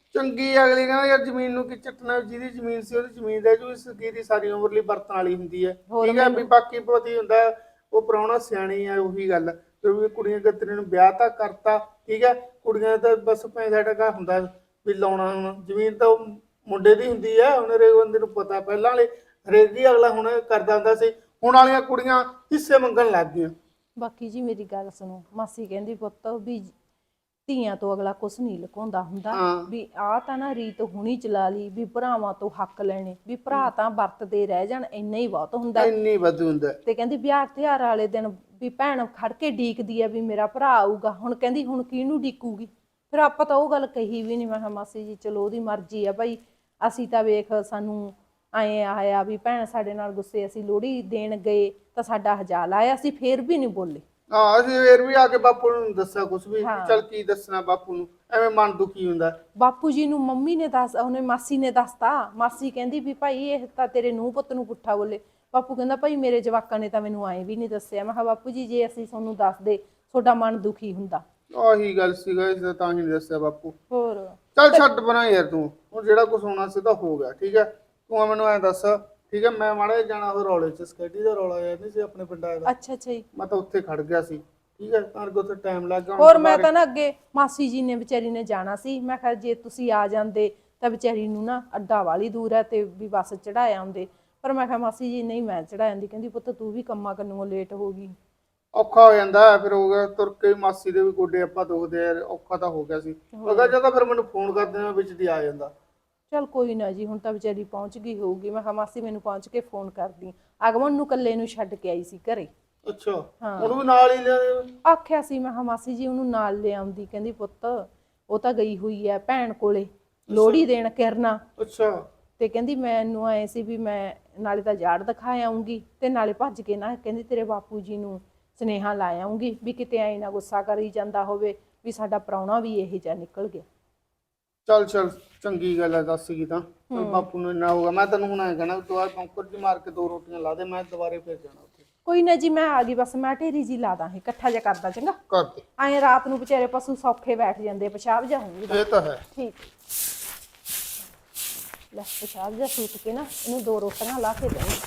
ਚੰਗੀ ਅਗਲੀ ਕਹਿੰਦਾ ਯਾਰ ਜ਼ਮੀਨ ਨੂੰ ਕੀ ਚੱਟਣਾ, ਜਿਹਦੀ ਜ਼ਮੀਨ ਸੀ ਉਹਦੀ ਜ਼ਮੀਨ ਦੇ ਜੂ, ਸਕੀਰੀ ਸਾਰੀ ਉਮਰ ਲਈ ਵਰਤਣ ਵਾਲੀ ਹੁੰਦੀ ਹੈ।
ਹੋਰ
ਠੀਕ ਹੈ ਵੀ ਬਾਕੀ ਪਤੀ ਹੁੰਦਾ ਉਹ ਪ੍ਰਾਹੁਣਾ ਸਿਆਣੀ ਆ, ਉਹੀ ਗੱਲ ਫਿਰ ਵੀ ਕੁੜੀਆਂ ਕਤਰੇ ਨੂੰ ਵਿਆਹ ਤਾਂ ਕਰਤਾ। ਠੀਕ ਹੈ, ਕੁੜੀਆਂ ਦਾ ਤਾਂ ਬਸ ਪੈਸਾ ਟਕਾ ਹੁੰਦਾ ਵੀ ਲਾਉਣਾ। ਹੁਣ ਜ਼ਮੀਨ ਤਾਂ ਉਹ ਮੁੰਡੇ ਦੀ ਹੁੰਦੀ ਹੈ, ਹੁਣ ਹਰੇਕ ਬੰਦੇ ਨੂੰ ਪਤਾ। ਪਹਿਲਾਂ ਵਾਲੇ ਹਰੇਕ ਹੀ ਅਗਲਾ ਹੁਣ ਕਰਦਾ ਹੁੰਦਾ ਸੀ, ਹੁਣ ਵਾਲੀਆਂ ਕੁੜੀਆਂ ਹਿੱਸੇ ਮੰਗਣ ਲੱਗ ਗਈਆਂ।
ਬਾਕੀ ਜੀ ਮੇਰੀ ਗੱਲ ਸੁਣੋ, ਮਾਸੀ ਕਹਿੰਦੀ ਪੁੱਤ ਵੀ ਧੀਆਂ ਤੋਂ ਅਗਲਾ ਕੁਛ ਨਹੀਂ ਲੁਕਾਉਂਦਾ ਹੁੰਦਾ,
ਹਾਂ।
ਵੀ ਆਹ ਤਾਂ ਨਾ ਰੀਤ ਹੁਣੀ ਚਲਾ ਲਈ ਵੀ ਭਰਾਵਾਂ ਤੋਂ ਹੱਕ ਲੈਣੇ, ਵੀ ਭਰਾ ਤਾਂ ਵਰਤਦੇ ਰਹਿ ਜਾਣ ਇੰਨਾ ਹੀ ਬਹੁਤ ਹੁੰਦਾ।
ਇੰਨੀ ਵਾਧੂ ਹੁੰਦਾ।
ਤੇ ਕਹਿੰਦੀ ਵਿਆਹ ਤਿਉਹਾਰ ਵਾਲੇ ਦਿਨ ਵੀ ਭੈਣ ਖੜ ਕੇ ਡੀਕਦੀ ਆ ਵੀ ਮੇਰਾ ਭਰਾ ਆਊਗਾ, ਹੁਣ ਕਹਿੰਦੀ ਹੁਣ ਕਿਹਨੂੰ ਡੀਕੂਗੀ। ਫਿਰ ਆਪਾਂ ਤਾਂ ਉਹ ਗੱਲ ਕਹੀ ਵੀ ਨਹੀਂ। ਮੈਂ ਕਿਹਾ ਮਾਸੀ ਜੀ ਚਲੋ ਉਹਦੀ ਮਰਜ਼ੀ ਆ ਭਾਈ, ਅਸੀਂ ਤਾਂ ਵੇਖ ਸਾਨੂੰ ਐਂ ਆਇਆ ਵੀ ਭੈਣ ਸਾਡੇ ਨਾਲ ਗੁੱਸੇ, ਅਸੀਂ ਲੋਹੜੀ ਦੇਣ ਗਏ ਤਾਂ ਸਾਡਾ ਹਜਾਲ ਆਇਆ, ਅਸੀਂ ਫੇਰ ਵੀ ਨਹੀਂ ਬੋਲੇ।
ਹਾਂ ਅਸੀਂ ਫੇਰ ਵੀ ਆ ਕੇ ਬਾਪੂ ਨੂੰ ਦੱਸਿਆ ਕੁਛ ਵੀ,
ਹਾਂ।
ਚੱਲ ਕੀ ਦੱਸਣਾ ਬਾਪੂ ਨੂੰ, ਐਵੇਂ ਮਨ ਦੁਖੀ ਹੁੰਦਾ।
ਬਾਪੂ ਜੀ ਨੂੰ ਮੰਮੀ ਨੇ ਉਹਨੇ ਮਾਸੀ ਨੇ ਦੱਸਤਾ। ਮਾਸੀ ਕਹਿੰਦੀ ਵੀ ਭਾਈ ਇਹ ਤਾਂ ਤੇਰੇ ਨੂੰਹ ਪੁੱਤ ਨੂੰ ਪੁੱਠਾ ਬੋਲੇ। ਬਾਪੂ ਕਹਿੰਦਾ ਭਾਈ ਮੇਰੇ ਜਵਾਕਾਂ ਨੇ ਤਾਂ ਮੈਨੂੰ ਐਂ ਵੀ ਨਹੀਂ ਦੱਸਿਆ। ਮੈਂ ਕਿਹਾ ਬਾਪੂ ਜੀ ਜੇ ਅਸੀਂ ਤੁਹਾਨੂੰ ਦੱਸਦੇ ਤੁਹਾਡਾ ਮਨ ਦੁਖੀ ਹੁੰਦਾ।
ਆਹੀ ਗੱਲ ਸੀਗਾ, ਇਸ ਦਾ ਤਾਂ ਹੀ ਨਹੀਂ ਦੱਸਿਆ ਬਾਪੂ।
ਹੋਰ
ਚੱਲ ਛੱਡ ਬਣਾ ਯਾਰ ਤੂੰ, ਹੁਣ ਜਿਹੜਾ ਕੁਛ ਹੋਣਾ ਸੀ ਤਾਂ ਹੋ ਗਿਆ। ਠੀਕ ਹੈ, ਤੂੰ ਮੈਨੂੰ ਐਂ ਦੱਸ। ਠੀਕ ਹੈ, ਮੈਂ ਮਾੜਾ ਜਿਹਾ ਜਾਣਾ ਉਹ ਰੌਲੇ ਚ, ਸਕੈਟੀ ਦਾ ਰੌਲਾ ਯਾਰ ਨਹੀਂ ਸੀ ਆਪਣੇ ਪਿੰਡਾਂ ਦਾ,
ਅੱਛਾ ਅੱਛਾ ਜੀ।
ਮੈਂ ਤਾਂ ਉੱਥੇ ਖੜ ਗਿਆ ਸੀ। ਠੀਕ ਹੈ, ਤਾਂ ਉੱਥੇ ਟਾਈਮ ਲੱਗ ਗਿਆ।
ਹੋਰ ਮੈਂ ਤਾਂ ਨਾ ਅੱਗੇ ਮਾਸੀ ਜੀ ਨੇ ਵਿਚਾਰੀ ਨੇ ਜਾਣਾ ਸੀ, ਮੈਂ ਕਿਹਾ ਜੇ ਤੁਸੀਂ ਆ ਜਾਂਦੇ ਤਾਂ ਵਿਚਾਰੀ ਨੂੰ ਨਾ ਅੱਡਾ ਵਾਲੀ ਦੂਰ ਹੈ ਤੇ ਵੀ ਬੱਸ ਚੜਾਇਆ ਆਉਂਦੇ, ਪਰ ਮੈਂ ਕਿਹਾ ਮਾਸੀ ਜੀ ਨਹੀਂ ਮੈਂ ਚੜਾ ਜਾਂਦੀ। ਕਹਿੰਦੀ ਪੁੱਤ ਤੂੰ ਵੀ ਕੰਮਾਂ ਕੰਨੋਂ ਲੇਟ ਹੋ ਗਈ।
ਔਖਾ ਹੋ ਜਾਂਦਾ ਫਿਰ, ਹੋ ਗਿਆ ਤੁਰ ਕੇ ਮਾਸੀ ਦੇ ਵੀ ਗੋਡੇ ਆਪਾਂ ਦੁਖਦੇ ਯਾਰ, ਔਖਾ ਤਾਂ ਹੋ ਗਿਆ ਸੀ। ਅਗਰ ਜਦੋਂ ਫਿਰ ਮੈਨੂੰ ਫੋਨ ਕਰ ਦੇਣਾ ਵਿੱਚ ਦੀ ਆ ਜਾਂਦਾ।
ਚਲ ਕੋਈ ਨਾ ਜੀ, ਹੁਣ ਤਾਂ ਵਿਚਾਰੀ ਪਹੁੰਚ ਗਈ ਹੋਊਗੀ। ਮੈਂ ਕਿਹਾ ਮਾਸੀ ਮੈਨੂੰ ਪਹੁੰਚ ਕੇ ਫੋਨ ਕਰਦੀ। ਅਗਮਨ ਨੂੰ ਇਕੱਲੇ ਨੂੰ ਛੱਡ ਕੇ ਆਈ ਸੀ ਘਰੇ।
ਅੱਛਾ, ਉਹਨੂੰ ਵੀ ਨਾਲ ਹੀ ਲਿਆ।
ਆਖਿਆ ਸੀ ਮੈਂ ਕਿਹਾ ਮਾਸੀ ਜੀ ਉਹਨੂੰ ਨਾਲ ਲੈ ਆਉਂਦੀ। ਕਹਿੰਦੀ ਪੁੱਤ ਉਹ ਤਾਂ ਗਈ ਹੋਈ ਹੈ ਭੈਣ ਕੋਲੇ ਲੋਹੜੀ ਦੇਣ ਕਿਰਨਾ।
ਅੱਛਾ।
ਤੇ ਕਹਿੰਦੀ ਮੈਨੂੰ ਆਏ ਸੀ ਵੀ ਮੈਂ ਨਾਲੇ ਤਾਂ ਜਾੜ ਦਿਖਾ ਆਉਂਗੀ ਤੇ ਨਾਲੇ ਭੱਜ ਕੇ ਨਾ ਕਹਿੰਦੀ ਤੇਰੇ ਬਾਪੂ ਜੀ ਨੂੰ ਸੁਨੇਹਾ ਲਾ ਆਉਂਗੀ ਵੀ ਕਿਤੇ ਐ ਨਾ ਗੁੱਸਾ ਕਰੀ ਜਾਂਦਾ ਹੋਵੇ ਵੀ ਸਾਡਾ ਪ੍ਰਾਹੁਣਾ ਵੀ ਇਹੋ ਜਿਹਾ ਨਿਕਲ ਗਿਆ।
ਚੱਲ ਚੱਲ ਚੰਗੀ ਗੱਲ ਹੈ, ਦੱਸ ਗਈ ਤਾਂ ਬਾਪੂ ਨੂੰ ਇੰਨਾ ਹੋਗਾ। ਮੈਂ ਤੈਨੂੰ ਹੁਣ ਐਂ ਕਹਿਣਾ ਦੁਬਾਰਾ ਪੰਕਰ ਜੀ ਮਾਰ ਕੇ 2 ਰੋਟੀਆਂ ਲਾ ਦੇ, ਮੈਂ ਦੁਬਾਰੇ ਫੇਰ ਜਾਣਾ ਉੱਥੇ।
ਕੋਈ ਨਾ ਜੀ ਮੈਂ ਆ ਗਈ, ਬਸ ਮੈਂ ਢੇਰੀ ਜੀ ਲਾ ਦਾਂ ਇਕੱਠਾ ਜਿਹਾ ਕਰਦਾ ਚੰਗਾ।
ਕਰ ਦੇ।
ਐਂ ਰਾਤ ਨੂੰ ਵਿਚਾਰੇ ਪਸ਼ੂ ਸੌਖੇ ਬੈਠ ਜਾਂਦੇ, ਪਿਸ਼ਾਬ ਜਾ ਹੋਊਗਾ।
ਇਹ ਤਾਂ ਹੈ।
ਠੀਕ ਲੈ ਪਿਸ਼ਾਬ ਜਾ ਸੂਤ ਕੇ ਨਾ ਇਹਨੂੰ 2 ਰੋਟੀਆਂ ਲਾ ਕੇ ਦੇਣੀ।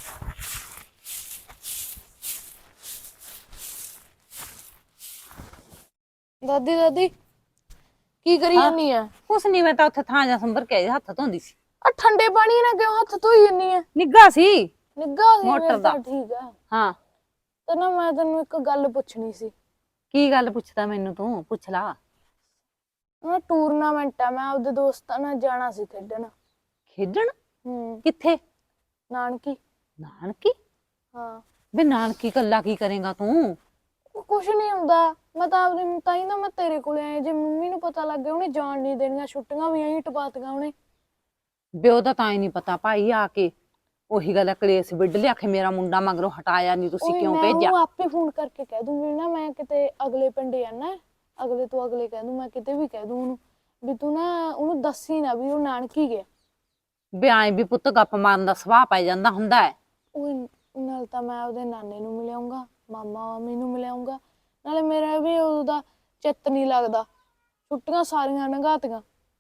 ਦਾਦੀ ਦਾਦੀ ਕੀ ਕਰੀ ਜਾਨੀ ਆ?
ਕੁਛ ਨਹੀਂ, ਮੈਂ ਤਾਂ ਉੱਥੇ ਥਾਂ ਜਾ ਸੰਭਰ ਕੇ ਆਈ, ਹੱਥ ਧੋਂਦੀ ਸੀ।
ਆ ਠੰਡੇ ਪਾਣੀ ਨਾਲ ਕਿਉਂ ਹੱਥ ਧੋਈ ਜਾਨੀ ਆ?
ਨਿੱਘਾ ਸੀ
ਨਿੱਘਾ ਸੀ
ਮੋਟਰ
ਫਿਰ
ਦਾ।
ਤਾਂ ਠੀਕ ਆ।
ਹਾਂ,
ਤੇ ਨਾ ਮੈਂ ਤੈਨੂੰ ਇੱਕ ਗੱਲ ਪੁੱਛਣੀ ਸੀ।
ਕੀ ਗੱਲ ਪੁੱਛਦਾ ਮੈਨੂੰ ਤੂੰ? ਪੁੱਛ ਲਾ।
ਨਾ ਟੂਰਨਾਮੈਂਟ ਆ, ਮੈਂ ਆਪਦੇ ਦੋਸਤਾਂ ਨਾਲ ਜਾਣਾ ਸੀ ਖੇਡਣ।
ਖੇਡਣ?
ਕਿੱਥੇ?
ਕਿੱਥੇ?
ਨਾਨਕੀ।
ਨਾਨਕੀ?
ਹਾਂ।
ਬੇ ਨਾਨਕੀ ਕੱਲਾ ਕੀ ਕਰੇਗਾ ਤੂੰ?
ਕੁਛ ਨਹੀਂ ਹੁੰਦਾ, ਮੈਂ ਤਾਂ ਆਪਦੇ ਤਾਂ ਹੀ ਨਾ ਮੈਂ ਤੇਰੇ ਕੋਲੇ ਆਇਆ। ਜੇ ਮੰਮੀ ਨੂੰ ਪਤਾ ਲੱਗ ਗਿਆ ਉਹਨੇ ਜਾਣ ਨਹੀਂ ਦੇਣੀਆਂ, ਛੁੱਟੀਆਂ ਵੀ ਐਂ ਟਪਾਤੀਆਂ ਉਹਨੇ।
ਬੇ ਉਹਦਾ ਤਾਂ ਹੀ ਨਹੀਂ ਪਤਾ ਭਾਈ, ਆ ਕੇ ਉਹੀ ਗੱਲ ਕਲੇਸ਼ ਵਿੱਢ ਲਿਆ ਕਿ ਮੇਰਾ ਮੁੰਡਾ ਮਗਰੋਂ ਹਟਾਇਆ ਨਹੀਂ, ਤੁਸੀਂ ਕਿਉਂ
ਮੈਂ
ਭੇਜਿਆ?
ਉਹਨੂੰ ਆਪੇ ਫੋਨ ਕਰਕੇ ਕਹਿ ਦੂੰਗੀ ਨਾ, ਮੈਂ ਕਿਤੇ ਅਗਲੇ ਪਿੰਡੇ ਆਣਾ, ਅਗਲੇ ਤੋਂ ਅਗਲੇ ਕਹਿ ਦੂੰ, ਮੈਂ ਕਿਤੇ ਵੀ ਕਹਿ ਦੂੰ ਉਹਨੂੰ ਵੀ ਤੂੰ ਨਾ ਉਹਨੂੰ ਦੱਸੀ ਨਾ ਵੀ ਉਹ ਨਾਨਕੀ ਗਿਆ।
ਬੇ ਆਏ ਵੀ ਪੁੱਤ ਗੱਪ ਮਾਰਨ ਦਾ ਸੁਭਾਅ ਪੈ ਜਾਂਦਾ ਹੁੰਦਾ ਹੈ।
ਉਹ ਨਾਲ ਤਾਂ ਮੈਂ ਉਹਦੇ ਨਾਨੇ ਨੂੰ ਮਿਲਿਆਉਂਗਾ, ਮਾਮਾ ਮਾਮੀ ਨੂੰ ਮਿਲਿਆਉਂਗਾ, ਨਾਲੇ ਮੇਰਾ ਵੀ ਉਹਦਾ ਚਿੱਤ ਨਹੀਂ ਲੱਗਦਾ, ਛੁੱਟੀਆਂ ਸਾਰੀਆਂ ਲੰਘਾਤੀਆਂ।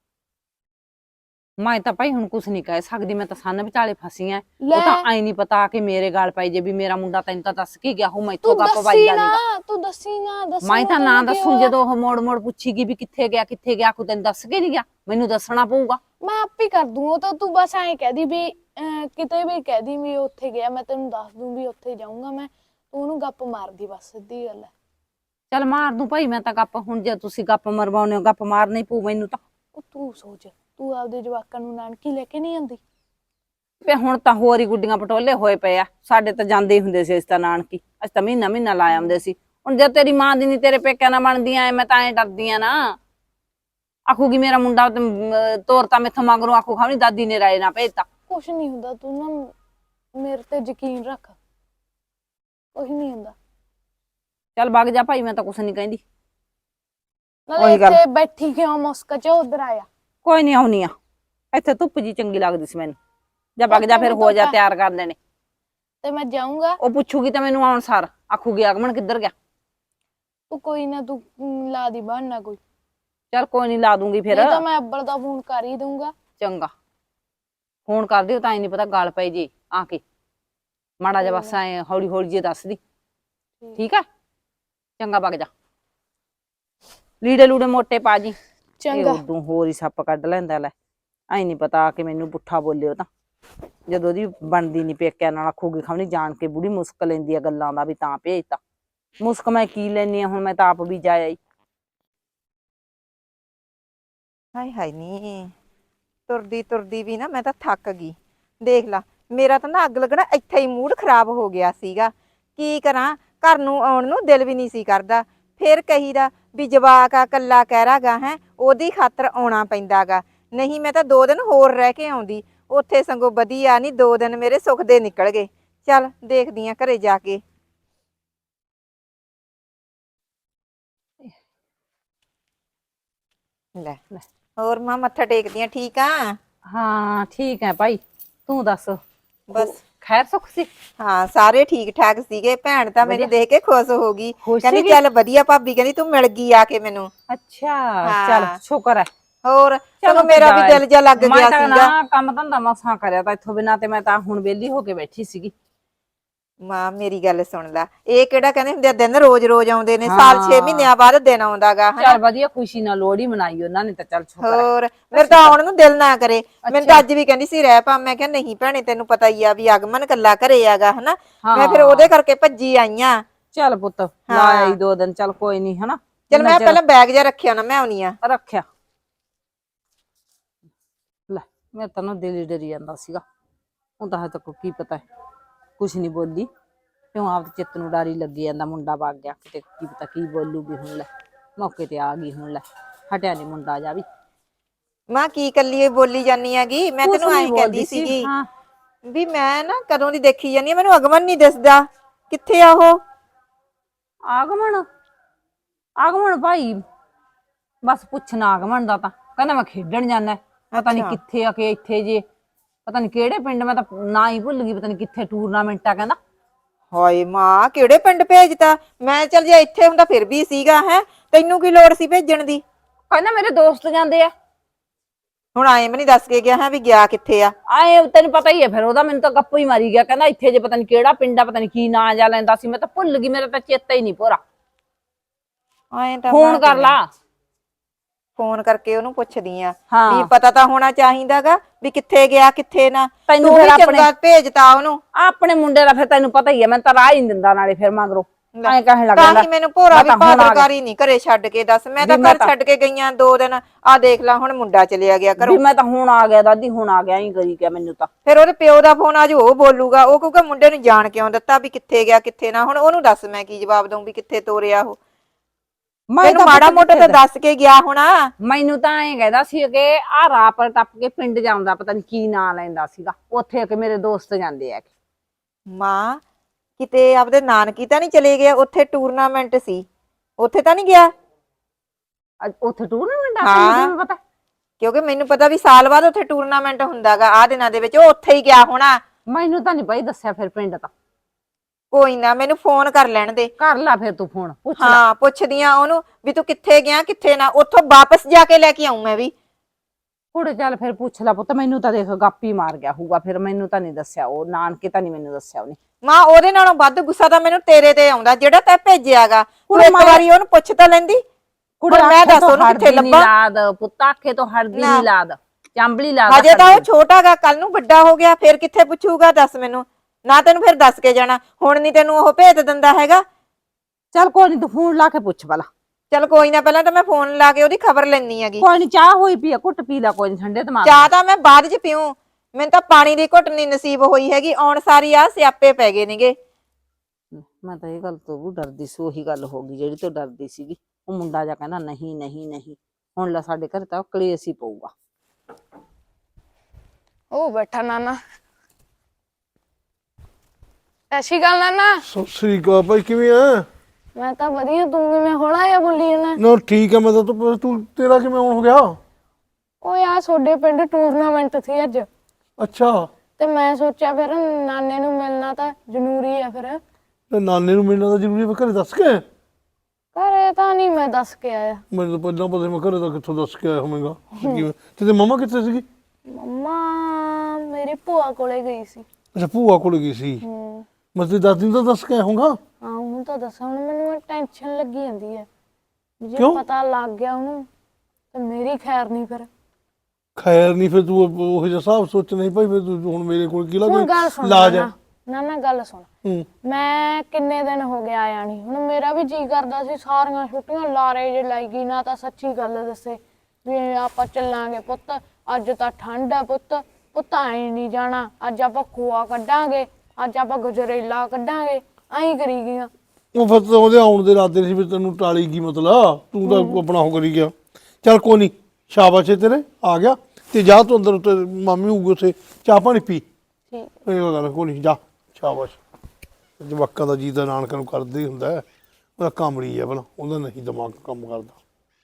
ਮੈਂ ਤਾਂ ਭਾਈ ਹੁਣ ਕੁਛ ਨਹੀਂ ਕਹਿ ਸਕਦੀ, ਮੈਂ ਤਾਂ ਸੰਨ ਵਿਚਾਲੇ ਫਸੀ ਐ।
ਲੈ।
ਉਹ ਤਾਂ ਆਈ ਨਹੀਂ ਪਤਾ ਕਿ ਮੇਰੇ ਗਾਲ ਪਾਈ ਜੇ ਵੀ ਮੇਰਾ ਮੁੰਡਾ ਤੈਨੂੰ ਤਾਂ ਦੱਸ ਕੇ ਗਿਆ ਹੋ, ਮੈਥੋਂ
ਤੂੰ
ਗੱਪ
ਦੱਸੀ
ਵੱਜਦਾ
ਨਾ,
ਨਹੀਂਗਾ।
ਤੂੰ ਦੱਸੀ ਨਾ, ਦੱਸੀ
ਮੈਂ ਤਾਂ ਨਾ
ਤੈਨੂੰ ਕੀ
ਦੱਸੂ,
ਹੋਇਆ?
ਜਦੋਂ ਉਹ ਮੋੜ ਮੋੜ ਪੁੱਛੀਗੀ ਵੀ ਕਿੱਥੇ ਗਿਆ ਕਿੱਥੇ ਗਿਆ, ਕੋਈ ਤੈਨੂੰ ਦੱਸ ਕੇ ਨਹੀਂ ਗਿਆ, ਮੈਨੂੰ ਦੱਸਣਾ ਪਊਗਾ।
ਮੈਂ ਆਪੇ ਕਰ ਦੂੰ ਉਹ ਤਾਂ, ਤੂੰ ਬਸ ਐਂ ਕਹਿ ਦੀ ਵੀ ਕਿਤੇ ਵੀ ਕਹਿ ਦੀ ਵੀ ਉੱਥੇ ਗਿਆ, ਮੈਂ ਤੈਨੂੰ ਦੱਸ ਦੂੰ ਵੀ ਉੱਥੇ ਜਾਊਂਗਾ ਮੈਂ, ਤੂੰ ਉਹਨੂੰ ਗੱਪ ਮਾਰਦੀ ਬਸ, ਸਿੱਧੀ ਗੱਲ ਹੈ।
ਚੱਲ ਮਾਰ ਦੂੰ ਭਾਈ ਮੈਂ ਤਾਂ ਗੱਪ, ਹੁਣ ਜੇ ਤੁਸੀਂ ਗੱਪ ਮਰਵਾਉਨੇ ਹੋ ਗੱਪ ਮਾਰਨਾ ਹੀ ਪਊ ਮੈਨੂੰ ਤਾਂ।
ਉਹ ਤੂੰ ਸੋਚ, ਤੂੰ ਆਪਦੇ ਜਵਾਕਾਂ ਨੂੰ ਨਾਨਕੀ ਲੈ ਕੇ ਨਹੀਂ ਆਂਦੀ?
ਤੇ ਹੁਣ ਤਾਂ ਹੋਰ ਹੀ ਗੁੱਡੀਆਂ ਪਟੋਲੇ ਹੋਏ ਪਏ ਆ, ਸਾਡੇ ਤਾਂ ਜਾਂਦੇ ਹੀ ਹੁੰਦੇ ਸੀ ਅਸੀਂ ਤਾਂ ਨਾਨਕੀ, ਅਸੀਂ ਤਾਂ ਮਹੀਨਾ ਮਹੀਨਾ ਲਾ ਆਉਂਦੇ ਸੀ। ਹੁਣ ਜੇ ਤੇਰੀ ਮਾਂ ਦੀ ਨੀ ਤੇਰੇ ਪੇਕਿਆਂ ਨਾਲ ਬਣਦੀਆਂ ਐ, ਮੈਂ ਤਾਂ ਐਂ ਡਰਦੀ ਆ ਨਾ, ਆਖੂਗੀ ਮੇਰਾ ਮੁੰਡਾ ਤੋਰਤਾ ਮੈਥੋਂ ਮਗਰੋਂ, ਆਖੂ ਖਾਵਣੀ ਦਾਦੀ ਨੇ ਰਾਏ ਨਾ ਭੇਜਤਾ।
ਕੁਛ ਨਹੀਂ ਹੁੰਦਾ, ਤੂੰ ਨਾ ਮੇਰੇ ਤੇ ਯਕੀਨ ਰੱਖ, ਕੁਛ ਨਹੀਂ ਹੁੰਦਾ।
ਚੱਲ ਵਗ ਜਾ ਭਾਈ, ਮੈਂ ਤਾਂ ਕੁਛ ਨਹੀਂ ਕਹਿੰਦੀ।
ਨਾਲੇ
ਉਹੀ ਗੱਲ।
ਇੱਥੇ ਬੈਠੀ ਕਿਉਂ ਮੁਸਕ ਚ, ਉਧਰ ਆਇਆ।
ਕੋਈ ਨਹੀਂ ਆਉਣੀ ਆ, ਇੱਥੇ ਧੁੱਪ ਜੀ ਚੰਗੀ ਲੱਗਦੀ ਸੀ ਮੈਨੂੰ। ਜਾ ਵਗ ਜਾ ਫਿਰ, ਹੋ ਜਾ ਤਿਆਰ ਕਰ ਲੈਣੇ।
ਤੇ ਮੈਂ ਜਾਊਂਗਾ।
ਉਹ ਪੁੱਛੂਗੀ ਤਾਂ ਮੈਨੂੰ ਆਉਣ ਸਾਰ ਆਖੂਗੀ ਆਗਮਨ ਕਿੱਧਰ ਗਿਆ।
ਤੂੰ ਕੋਈ ਨਾ, ਤੂੰ ਲਾ ਦੀ ਬਹਾਨਾ ਕੋਈ।
ਚੱਲ ਕੋਈ ਨਹੀਂ ਲਾ ਦੂੰਗੀ ਫਿਰ
ਨਹੀਂ ਤਾਂ ਮੈਂ ਅੱਬਲ ਦਾ ਫੋਨ ਕਰ ਹੀ ਦੂੰਗਾ।
ਚੰਗਾ ਫੋਨ ਕਰ ਦਿਓ ਤਾਂ ਹੀ ਨਹੀਂ ਪਤਾ ਗੱਲ ਪਈ ਜੀ ਆ ਕੇ ਮਾੜਾ ਜਿਹਾ ਬਸ ਐ ਹੌਲੀ ਹੌਲੀ ਜੇ ਦੱਸ ਦੀ ਠੀਕ ਆ ਚੰਗਾ ਵਗ ਜਾ ਲੀੜੇ ਲੂੜੇ ਮੋਟੇ ਪਾ ਜੀ
ਚੰਗਾ
ਉਦੋਂ ਹੋਰ ਹੀ ਸੱਪ ਕੱਢ ਲੈਂਦਾ ਲੈ ਐ ਨਹੀਂ ਪਤਾ ਕਿ ਮੈਨੂੰ ਪੁੱਠਾ ਬੋਲਿਓ ਤਾਂ ਜਦੋਂ ਉਹਦੀ ਬਣਦੀ ਨਹੀਂ ਪੇਕਿਆਂ ਨਾਲ ਆਖੂਗੀ ਖਮਣੀ ਜਾਣ ਕੇ ਬੁੜੀ ਮੁਸਕ ਲੈਂਦੀ ਆ ਗੱਲਾਂ ਦਾ ਵੀ ਤਾਂ ਭੇਜਤਾ ਮੁਸਕ ਮੈਂ ਕੀ ਲੈਣੀ ਆ ਹੁਣ ਮੈਂ ਤਾਂ ਆਪ ਵੀ ਜਾ ਆਈ
ਹਾਏ ਹਾਏ ਨੀ ਤੁਰਦੀ ਤੁਰਦੀ ਵੀ ਨਾ ਮੈਂ ਤਾਂ ਥੱਕ ਗਈ। ਦੇਖ ਲਾ ਮੇਰਾ ਤਾਂ ਨਾ ਅੱਗ ਲੱਗਣਾ ਇੱਥੇ ਹੀ ਮੂਡ ਖਰਾਬ ਹੋ ਗਿਆ ਸੀਗਾ। ਕੀ ਕਰਾਂ ਘਰ ਨੂੰ ਆਉਣ ਨੂੰ ਦਿਲ ਵੀ ਨਹੀਂ ਸੀ ਕਰਦਾ। ਫਿਰ ਕਹੀਦਾ ਵੀ ਜਵਾਕ ਆ ਕੱਲਾ ਕਹਿਰਾਗਾ ਹੈ ਉਹਦੀ ਖਾਤਰ ਆਉਣਾ ਪੈਂਦਾਗਾ। ਨਹੀਂ ਮੈਂ ਤਾਂ 2 ਦਿਨ ਹੋਰ ਰਹਿ ਕੇ ਆਉਂਦੀ ਉੱਥੇ ਸੰਗੋ ਵਧੀਆ ਨਹੀਂ 2 ਦਿਨ ਮੇਰੇ ਸੁੱਖ ਦੇ ਨਿਕਲ ਗਏ। ਚੱਲ ਦੇਖਦੀ ਆ ਘਰੇ ਜਾ ਕੇ। ਲੈ ਹੋਰ ਮਾਂ ਮੱਥਾ ਟੇਕਦੀਆਂ ਠੀਕ ਆ?
ਹਾਂ ਠੀਕ ਹੈ ਭਾਈ ਤੂੰ ਦੱਸ
ਬਸ
ਖੈਰ ਸੁੱਖ ਸੀ
ਹਾਂ ਸਾਰੇ ਠੀਕ ਠਾਕ ਸੀਗੇ। ਭੈਣ ਤਾਂ ਮੈਨੂੰ ਦੇਖ ਕੇ ਖੁਸ਼ ਹੋ ਗਈ
ਖੁਸ਼
ਕਹਿੰਦੀ
ਸੀਗੀ?
ਚੱਲ ਵਧੀਆ ਭਾਬੀ ਕਹਿੰਦੀ ਤੂੰ ਮਿਲ ਗਈ ਆ ਕੇ ਮੈਨੂੰ।
ਅੱਛਾ
ਹਾਂ।
ਚੱਲ ਸ਼ੁਕਰ ਹੈ
ਹੋਰ
ਚਲੋ
ਚਲੋ ਮੇਰਾ ਵੀ ਦਿਲ ਜਿਹਾ ਲੱਗ
ਮੈਂ
ਗਿਆ
ਤਾਂ
ਸੀਗਾ।
ਨਾ ਕੰਮ ਧੰਦਾ ਮਸਾਂ ਕਰਿਆ ਤਾਂ ਇੱਥੋਂ ਬਿਨਾਂ ਤੇ ਮੈਂ ਤਾਂ ਹੁਣ ਵਿਹਲੀ ਹੋ ਕੇ ਬੈਠੀ ਸੀਗੀ
ਮਾਂ ਮੇਰੀ ਗੱਲ ਸੁਣ ਲੈ ਇਹ ਕਿਹੜਾ ਕਹਿੰਦੇ ਹੁੰਦੇ ਆ ਦਿਨ ਰੋਜ਼ ਰੋਜ਼ ਆਉਂਦੇ ਨੇ ਸਾਲ 6 ਮਹੀਨਿਆਂ ਬਾਅਦ ਦਿਨ ਆਉਂਦਾਗਾ
ਚੱਲ ਵਧੀਆ ਖੁਸ਼ੀ ਨਾਲ ਲੋਹੜੀ ਮਨਾਈ ਉਹਨਾਂ ਨੇ ਤਾਂ ਚੱਲ ਸ਼ੁਕਰ ਹੈ
ਹੋਰ ਮੇਰੇ ਤਾਂ ਆਉਣ ਨੂੰ ਦਿਲ ਨਾ ਕਰੇ। ਮੈਨੂੰ ਤਾਂ ਅੱਜ ਵੀ ਕਹਿੰਦੀ ਸੀ ਰਹਿ ਪਾ ਮੈਂ ਕਿਹਾ ਨਹੀਂ ਭੈਣੇ ਤੈਨੂੰ ਪਤਾ ਹੀ ਆ ਵੀ ਆਗਮਨ ਕੱਲਾ ਘਰੇ ਆਗਾ ਹਨਾ। ਮੈਂ ਫਿਰ ਉਹਦੇ ਕਰਕੇ ਭੱਜੀ ਆਈਆਂ।
ਚੱਲ ਪੁੱਤ ਲਾਇਆ ਹੀ 2 ਦਿਨ ਚੱਲ ਕੋਈ ਨਹੀਂ ਹਨਾ
ਚਲ ਮੈਂ ਪਹਿਲਾਂ ਬੈਗ ਜਿਹਾ ਰੱਖਿਆ ਨਾ ਮੈਂ ਆਉਣੀ ਆ।
ਰੱਖਿਆ ਲੈ ਮੇਰੇ ਤਾਂ ਨਾ ਦਿਲ ਹੀ ਡਰੀ ਜਾਂਦਾ ਸੀਗਾ ਹੁਣ ਤਾਂ ਹਜੇ ਤੱਕ ਕੀ ਪਤਾ ਕੁਛ ਨਹੀਂ ਬੋਲੀ ਕਿਉਂ ਆਪ ਚਿੱਤ ਨੂੰ ਡਰ ਹੀ ਲੱਗੀ ਜਾਂਦਾ ਮੁੰਡਾ ਵਗ ਗਿਆ ਕਿਤੇ ਕੀ ਪਤਾ ਕੀ ਬੋਲੂਗੀ ਹੁਣ ਲੈ ਮੌਕੇ ਤੇ ਆ ਗਈ ਹੁਣ ਲੈ ਹਟਿਆ ਨਹੀਂ ਮੁੰਡਾ ਜਾ ਵੀ
ਮਾਂ ਕੀ ਕੱਲੀ ਬੋਲੀ ਜਾਨੀ ਆਗੀ ਮੈਂ
ਕੁਛ
ਤੈਨੂੰ
ਨੀ
ਐਂ
ਬੋਲਦੀ
ਕਹਿੰਦੀ
ਸੀ,
ਸੀਗੀ
ਹਾਂ।
ਵੀ ਮੈਂ ਨਾ ਕਦੋਂ ਦੀ ਦੇਖੀ ਜਾਨੀ ਆ ਮੈਨੂੰ ਅਗਮਨ ਨਹੀਂ ਦਿਸਦਾ ਕਿੱਥੇ ਆ ਉਹ?
ਆਗਮਨ ਆਗਮਨ ਭਾਈ ਬਸ ਪੁੱਛਣਾ ਆਗਮਨ ਦਾ ਤਾਂ ਕਹਿੰਦਾ ਮੈਂ ਖੇਡਣ ਜਾਣਾ ਪਤਾ ਨਹੀਂ ਕਿੱਥੇ ਆ ਕੇ ਇੱਥੇ ਜੇ ਪਤਾ ਨਹੀਂ ਕਿਹੜੇ ਪਿੰਡ ਮੈਂ ਤਾਂ ਨਾ ਹੀ ਭੁੱਲ ਗਈ ਪਤਾ ਨਹੀਂ ਕਿੱਥੇ ਟੂਰਨਾਮੈਂਟ ਆ ਕਹਿੰਦਾ
ਹਾਏ ਮਾਂ ਕਿਹੜੇ ਪਿੰਡ ਭੇਜਤਾ? ਮੈਂ ਚੱਲ ਜੇ ਇੱਥੇ ਹੁੰਦਾ ਫਿਰ ਵੀ ਸੀਗਾ ਹੈ ਤੈਨੂੰ ਕੀ ਲੋੜ ਸੀ ਭੇਜਣ ਦੀ?
ਕਹਿੰਦਾ ਮੇਰੇ ਦੋਸਤ ਜਾਂਦੇ ਆ
ਹੁਣ ਆਏ ਵੀ ਨਹੀਂ ਦੱਸ ਕੇ ਗਿਆ ਹੈ ਵੀ ਗਿਆ ਕਿੱਥੇ ਆ?
ਆਏ ਤੈਨੂੰ ਪਤਾ ਹੀ ਹੈ ਫਿਰ ਉਹਦਾ ਮੈਨੂੰ ਤਾਂ ਗੱਪੂ ਹੀ ਮਾਰੀ ਗਿਆ ਕਹਿੰਦਾ ਇੱਥੇ ਜੇ ਪਤਾ ਨਹੀਂ ਕਿਹੜਾ ਪਿੰਡ ਆ ਪਤਾ ਨਹੀਂ ਕੀ ਨਾਂ ਜਾ ਲੈਂਦਾ ਸੀ ਮੈਂ ਤਾਂ ਭੁੱਲ ਗਈ ਮੇਰਾ ਤਾਂ ਚੇਤਾ ਹੀ ਨਹੀਂ ਭੋਰਾ
ਆਏ ਤਾਂ
ਫੋਨ ਕਰ ਲਾ
ਫੋਨ ਕਰਕੇ ਉਹਨੂੰ ਪੁੱਛਦੀ ਆ
ਹਾਂ।
ਵੀ ਪਤਾ ਤਾਂ ਹੋਣਾ ਚਾਹੀਦਾਗਾ ਵੀ ਕਿੱਥੇ ਗਿਆ ਕਿੱਥੇ ਨਾ।
ਤੈਨੂੰ
ਤੂੰ
ਫਿਰ
ਵੀ
ਆਪਣੇ-
ਚੰਗਾ ਭੇਜਤਾ ਉਹਨੂੰ।
ਆਪਣੇ ਮੁੰਡੇ ਦਾ ਫਿਰ ਤੈਨੂੰ ਪਤਾ ਹੀ ਹੈ ਮੈਂ ਤਾਂ ਰਾਹ ਹੀ ਨੀ ਦਿੰਦਾ ਨਾਲੇ ਫਿਰ ਮਗਰੋਂ ਐਂ ਕਹਿਣ ਲੱਗ
ਤਾਂ
ਜਾਂਦਾ
ਹੀ ਮੈਨੂੰ ਭੋਰਾ
ਮੈਂ
ਵੀ
ਤਾਂ ਹੁਣ ਆ ਗਿਆ।
ਭਾਦਰਕਾਰੀ ਨਹੀਂ ਘਰੇ ਛੱਡ ਕੇ ਦੱਸ ਮੈਂ ਤਾਂ
ਵੀ ਮੈਂ
ਘਰ ਛੱਡ ਕੇ ਗਈਆਂ 2 ਦਿਨ ਆ ਦੇਖ ਲੈ ਹੁਣ ਮੁੰਡਾ ਚਲਿਆ ਗਿਆ
ਵੀ
ਘਰੋਂ।
ਮੈਂ ਤਾਂ ਹੁਣ ਆ ਗਿਆ ਦਾਦੀ ਹੁਣ ਆ ਗਿਆ ਹੀ ਕਰੀ ਗਿਆ ਮੈਨੂੰ ਤਾਂ
ਫਿਰ ਉਹਦੇ ਪਿਓ ਦਾ ਫੋਨ ਆਜੂ ਉਹ ਬੋਲੂਗਾ ਉਹ ਕਹੂਗਾ ਮੁੰਡੇ ਨੂੰ ਜਾਣ ਕਿਉਂ ਦਿੱਤਾ ਵੀ ਕਿੱਥੇ ਗਿਆ ਕਿੱਥੇ ਨਾ। ਹੁਣ ਉਹਨੂੰ ਦੱਸ ਮੈਂ ਕੀ ਜਵਾਬ ਦਊਂ ਵੀ ਕਿੱਥੇ ਤੋਰਿਆ ਉਹ?
ਮੈਂ
ਤੈਨੂੰ
ਤਾਂ
ਮਾੜਾ
ਪੁੱਤ
ਮੋਟਾ ਤਾਂ
ਕਿੱਥੇ
ਦੱਸ ਕੇ ਗਿਆ ਹੋਣਾ।
ਮੈਨੂੰ ਤਾਂ ਐਂ ਕਹਿੰਦਾ ਸੀ ਕਿ ਆ ਰਾਹ ਪਰ ਟੱਪ ਕੇ ਪਿੰਡ ਜਾਂਦਾ ਪਤਾ ਨਹੀਂ ਕੀ ਨਾਂ ਲੈਂਦਾ ਸੀਗਾ ਉੱਥੇ ਆ ਕੇ ਮੇਰੇ ਦੋਸਤ ਜਾਂਦੇ ਆ
ਮਾਂ ਕਿਤੇ ਆਪਦੇ ਨਾਨਕੀ ਤਾਂ ਨਹੀਂ ਚਲੇ ਗਿਆ? ਉੱਥੇ ਟੂਰਨਾਮੈਂਟ ਸੀ ਉੱਥੇ ਤਾਂ ਨਹੀਂ ਗਿਆ?
ਉੱਥੇ ਟੂਰਨਾਮੈਂਟ ਆ
ਹਾਂ।
ਮੈਨੂੰ ਪਤਾ
ਕਿਉਂਕਿ ਮੈਨੂੰ ਪਤਾ ਵੀ ਸਾਲ ਬਾਅਦ ਉੱਥੇ ਟੂਰਨਾਮੈਂਟ ਹੁੰਦਾਗਾ ਆ ਦਿਨਾਂ ਦੇ ਵਿੱਚ ਉਹ ਉੱਥੇ ਹੀ ਗਿਆ ਹੋਣਾ।
ਮੈਨੂੰ ਤਾਂ ਨਹੀਂ ਭਾਈ ਦੱਸਿਆ ਫਿਰ ਪਿੰਡ ਤਾਂ
ਕੋਈ ਨਾ ਮੈਨੂੰ ਫੋਨ ਕਰ ਲੈਣ ਦੇ।
ਕਰ ਲੈ ਫਿਰ ਤੂੰ ਫੋਨ ਪੁੱਛ ਲੈ
ਹਾਂ ਪੁੱਛਦੀਆਂ ਉਹਨੂੰ ਵੀ ਤੂੰ ਕਿੱਥੇ ਗਿਆ ਕਿੱਥੇ ਨਾ ਉੱਥੋਂ ਵਾਪਸ ਜਾ ਕੇ ਲੈ ਕੇ ਆਉਂ ਮੈਂ ਵੀ।
ਕੁੜੇ ਚੱਲ ਫਿਰ ਪੁੱਛ ਲੈ ਪੁੱਤ ਮੈਨੂੰ ਤਾਂ ਦੇਖ ਗਾਪੀ ਮਾਰ ਗਿਆ ਹੋਊਗਾ ਫਿਰ ਮੈਨੂੰ ਤਾਂ ਨਹੀਂ ਦੱਸਿਆ ਉਹ ਨਾਨਕੇ ਤਾਂ ਨਹੀਂ ਮੈਨੂੰ ਦੱਸਿਆ ਉਹਨੇ
ਮਾਂ ਉਹਦੇ ਨਾਲੋਂ ਵੱਧ ਗੁੱਸਾ ਤਾਂ ਮੈਨੂੰ ਤੇਰੇ ਤੇ ਆਉਂਦਾ ਜਿਹੜਾ ਤੈਂ ਭੇਜਿਆਗਾ। ਤੂੰ
ਕੁੜੇ
ਇੱਕ
ਮੈਂ-
ਵਾਰੀ ਉਹਨੂੰ ਪੁੱਛ ਤਾਂ ਲੈਂਦੀ।
ਕੁੜੇ
ਹੁਣ ਮੈਂ ਦੱਸ ਉਹਨੂੰ ਕਿੱਥੇ
ਨੀ
ਲੱਭਾਂ?
ਲਾਦ ਪੁੱਤ ਆਖੇ ਤੋਂ ਹਰਦੀ
ਨਾ।
ਨਹੀਂ ਲਾਦ ਚਾਂਬਲੀ ਲਾਦ
ਹਜੇ ਤਾਂ ਉਹ ਛੋਟਾਗਾ ਕੱਲ ਨੂੰ ਵੱਡਾ ਹੋ ਗਿਆ ਫਿਰ ਕਿੱਥੇ ਪੁੱਛੂਗਾ ਦੱਸ ਮੈਨੂੰ। ਨਾ ਤੈਨੂੰ ਫਿਰ ਦੱਸ ਕੇ ਜਾਣਾ ਹੁਣ ਨਹੀਂ ਤੈਨੂੰ ਉਹ ਭੇਜ ਦਿੰਦਾ ਹੈਗਾ।
ਚੱਲ ਕੋਈ ਨਹੀਂ ਤੂੰ ਫੋਨ ਲਾ ਕੇ ਪੁੱਛ ਭਲਾ
ਚੱਲ ਕੋਈ ਨਾ ਪਹਿਲਾਂ ਤਾਂ ਮੈਂ ਫੋਨ ਲਾ ਕੇ ਉਹਦੀ ਖਬਰ ਲੈਣੀ ਹੈਗੀ।
ਕੋਈ ਨਹੀਂ ਚਾਹ ਹੋਈ ਪਈ ਆ ਘੁੱਟ ਪੀ ਲੈ ਕੋਈ ਨੀ ਠੰਡੇ ਦਿਮਾਗ
ਚਾਹ ਤਾਂ ਮੈਂ ਬਾਅਦ ਚ ਪੀਉ ਮੈਨੂੰ ਤਾਂ ਪਾਣੀ ਦੀ ਘੁੱਟ ਨਹੀਂ ਨਸੀਬ ਹੋਈ ਹੈਗੀ। ਆਉਣ ਸਾਰੀ ਆ ਸਿਆਪੇ ਪੈ ਗਏ ਨੇਗੇ।
ਮੈਂ ਤਾਂ ਇਹ ਗੱਲ ਤੋਂ ਵੀ ਡਰਦੀ ਸੀ ਉਹੀ ਗੱਲ ਹੋ ਗਈ ਜਿਹੜੀ ਤੋਂ ਡਰਦੀ ਸੀਗੀ ਉਹ ਮੁੰਡਾ ਜਾ ਕਹਿੰਦਾ ਨਹੀਂ ਨਹੀਂ ਨਹੀਂ ਹੁਣ ਲੈ ਸਾਡੇ ਘਰ ਤਾਂ ਕਲੇਸ਼ ਹੀ ਪਊਗਾ
ਉਹ ਬੈਠਾ ਨਾਨਾ। ਐਸੀ ਗੱਲ ਨਾਨਾ
ਸਤਿ ਸ੍ਰੀ ਅਕਾਲ ਭਾਈ ਕਿਵੇਂ ਆ?
ਮੈਂ ਤਾਂ ਵਧੀਆ ਤੂੰ ਕਿਵੇਂ ਹੌਲਾ ਜਿਹਾ ਬੋਲੀ ਜਾਂਦਾ?
ਨਾ ਠੀਕ ਆ ਮੈਂ ਤਾਂ ਤੂੰ ਤੇਰਾ ਕਿਵੇਂ ਆਉਣ ਹੋ ਗਿਆ?
ਓਏ ਆ ਤੁਹਾਡੇ ਪਿੰਡ ਟੂਰਨਾਮੈਂਟ ਸੀ ਅੱਜ
ਅੱਛਾ
ਤੇ ਮੈਂ ਸੋਚਿਆ ਫਿਰ ਨਾਨੇ ਨੂੰ ਮਿਲਣਾ ਤਾਂ ਜ਼ਰੂਰੀ ਆ ਫਿਰ।
ਤੇ ਨਾਨੇ ਨੂੰ ਮਿਲਣਾ ਤਾਂ ਜ਼ਰੂਰੀ ਹੈ ਘਰੇ ਦੱਸ ਕੇ?
ਘਰੇ ਤਾਂ ਨਹੀਂ ਮੈਂ ਦੱਸ ਕੇ ਆਇਆ।
ਮੈਨੂੰ ਤਾਂ ਪਹਿਲਾਂ ਪਤਾ ਸੀ, ਮੈਂ ਘਰੇ ਤਾਂ ਕਿੱਥੋਂ ਦੱਸ ਕੇ ਆਇਆ ਹੋਵੇਂਗਾ ਕਿਵੇਂ। ਤੇ ਮੰਮਾ ਕਿੱਥੇ ਸੀਗੀ?
ਮੰਮਾ ਮੇਰੀ ਭੂਆ ਕੋਲੇ ਗਈ ਸੀ।
ਅੱਛਾ ਭੂਆ ਕੋਲ ਗਈ ਸੀ। ਮੈਂ ਤੇ ਦਾਦੀ ਨੂੰ ਤਾਂ ਦੱਸ ਕੇ ਆਇਆ ਹੋਊਗਾ।
ਹਾਂ ਉਹਨੂੰ ਤਾਂ ਦੱਸਾਂ, ਹੁਣ ਮੈਨੂੰ ਟੈਨਸ਼ਨ ਲੱਗੀ ਜਾਂਦੀ ਹੈ। ਜੇ
ਕਿਉਂ?
ਪਤਾ ਲੱਗ ਗਿਆ ਉਹਨੂੰ ਤਾਂ ਮੇਰੀ ਖੈਰ ਨਹੀਂ ਫਿਰ।
ਖੈਰ ਨਹੀਂ, ਫਿਰ ਤੂੰ ਉਹ ਜਿਹਾ ਹਿਸਾਬ ਸੋਚ ਨਹੀਂ ਭਾਈ, ਫਿਰ ਤੂੰ ਹੁਣ ਮੇਰੇ ਕੋਲ ਕੀ
ਹੁਣ ਗੱਲ ਸੁਣ
ਲਾਜ ਹੈ।
ਨਾ ਗੱਲ ਸੁਣ।
ਹੂੰ।
ਮੈਂ ਕਿੰਨੇ ਦਿਨ ਹੋ ਗਏ ਆਇਆ ਨਹੀਂ। ਹੁਣ ਮੇਰਾ ਵੀ ਜੀ ਕਰਦਾ ਸੀ, ਸਾਰੀਆਂ ਛੁੱਟੀਆਂ ਲਾਰੇ ਜੇ ਲਾਈ ਗਈ ਨਾ, ਤਾਂ ਸੱਚੀ ਗੱਲ ਦੱਸੇ ਵੀ ਆਪਾਂ ਚੱਲਾਂਗੇ ਪੁੱਤ, ਅੱਜ ਤਾਂ ਠੰਡ ਹੈ ਪੁੱਤ ਐਂ ਨਹੀਂ ਜਾਣਾ, ਅੱਜ ਆਪਾਂ ਖੋਆ ਕੱਢਾਂਗੇ, ਅੱਜ ਆਪਾਂ ਗਜਰੇਲਾ ਕੱਢਾਂਗੇ, ਐਂ ਕਰੀ ਗਈਆਂ।
ਉਹ ਫਿਰ ਤਾਂ ਉਹਦੇ ਆਉਣ ਦੇ ਇਰਾਦੇ ਸੀ, ਵੀ ਤੈਨੂੰ ਟਾਲੀ ਗਈ ਮਤਲਬ, ਤੂੰ ਤਾਂ ਆਪਣਾ ਉਹ ਕਰੀ ਗਿਆ। ਚੱਲ ਕੋਈ ਨਹੀਂ, ਸ਼ਾਬਾਸ਼ ਏ ਤੇਰੇ, ਆ ਗਿਆ। ਤੇ ਜਾ ਤੂੰ ਅੰਦਰ, ਉੱਤੇ ਮਾਮੀ ਹੋਊਗੀ ਉੱਥੇ, ਚਾਹ ਪਾਣੀ ਪੀ।
ਠੀਕ
ਇਹ ਗੱਲ ਕੋਈ ਨਹੀਂ, ਜਾ ਸ਼ਾਬਾਸ਼। ਜਵਾਕਾਂ ਦਾ ਜੀ ਦਾ ਨਾਨਕਾਂ ਨੂੰ ਕਰਦੇ ਹੀ ਹੁੰਦਾ, ਉਹਦਾ ਕਾਮੜੀ ਹੈ ਭਲਾ, ਉਹਦਾ ਨਹੀਂ ਦਿਮਾਗ ਕੰਮ ਕਰਦਾ।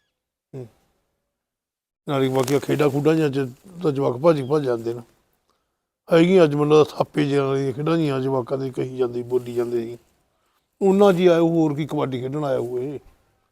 ਨਾਲੇ ਬਾਕੀ ਖੇਡਾਂ ਖੂਡਾਂ ਜਾਂ ਤਾਂ ਜਵਾਕ ਭੱਜ ਜਾਂਦੇ ਨੇ। ਹੈਗੀ ਅੱਜ ਮੈਨੂੰ ਥਾਪੇ ਜਿਹੇ ਵਾਲੀਆਂ ਖੇਡਾਂ ਜੀਆਂ ਜਵਾਕਾਂ ਦੇ ਕਹੀ ਜਾਂਦੀ, ਬੋਲੀ ਜਾਂਦੇ ਸੀ। ਉਹਨਾਂ ਜੀ ਆਏ, ਹੋਰ ਕੀ ਕਬੱਡੀ ਖੇਡਣ ਆਇਆ ਹੋਏ।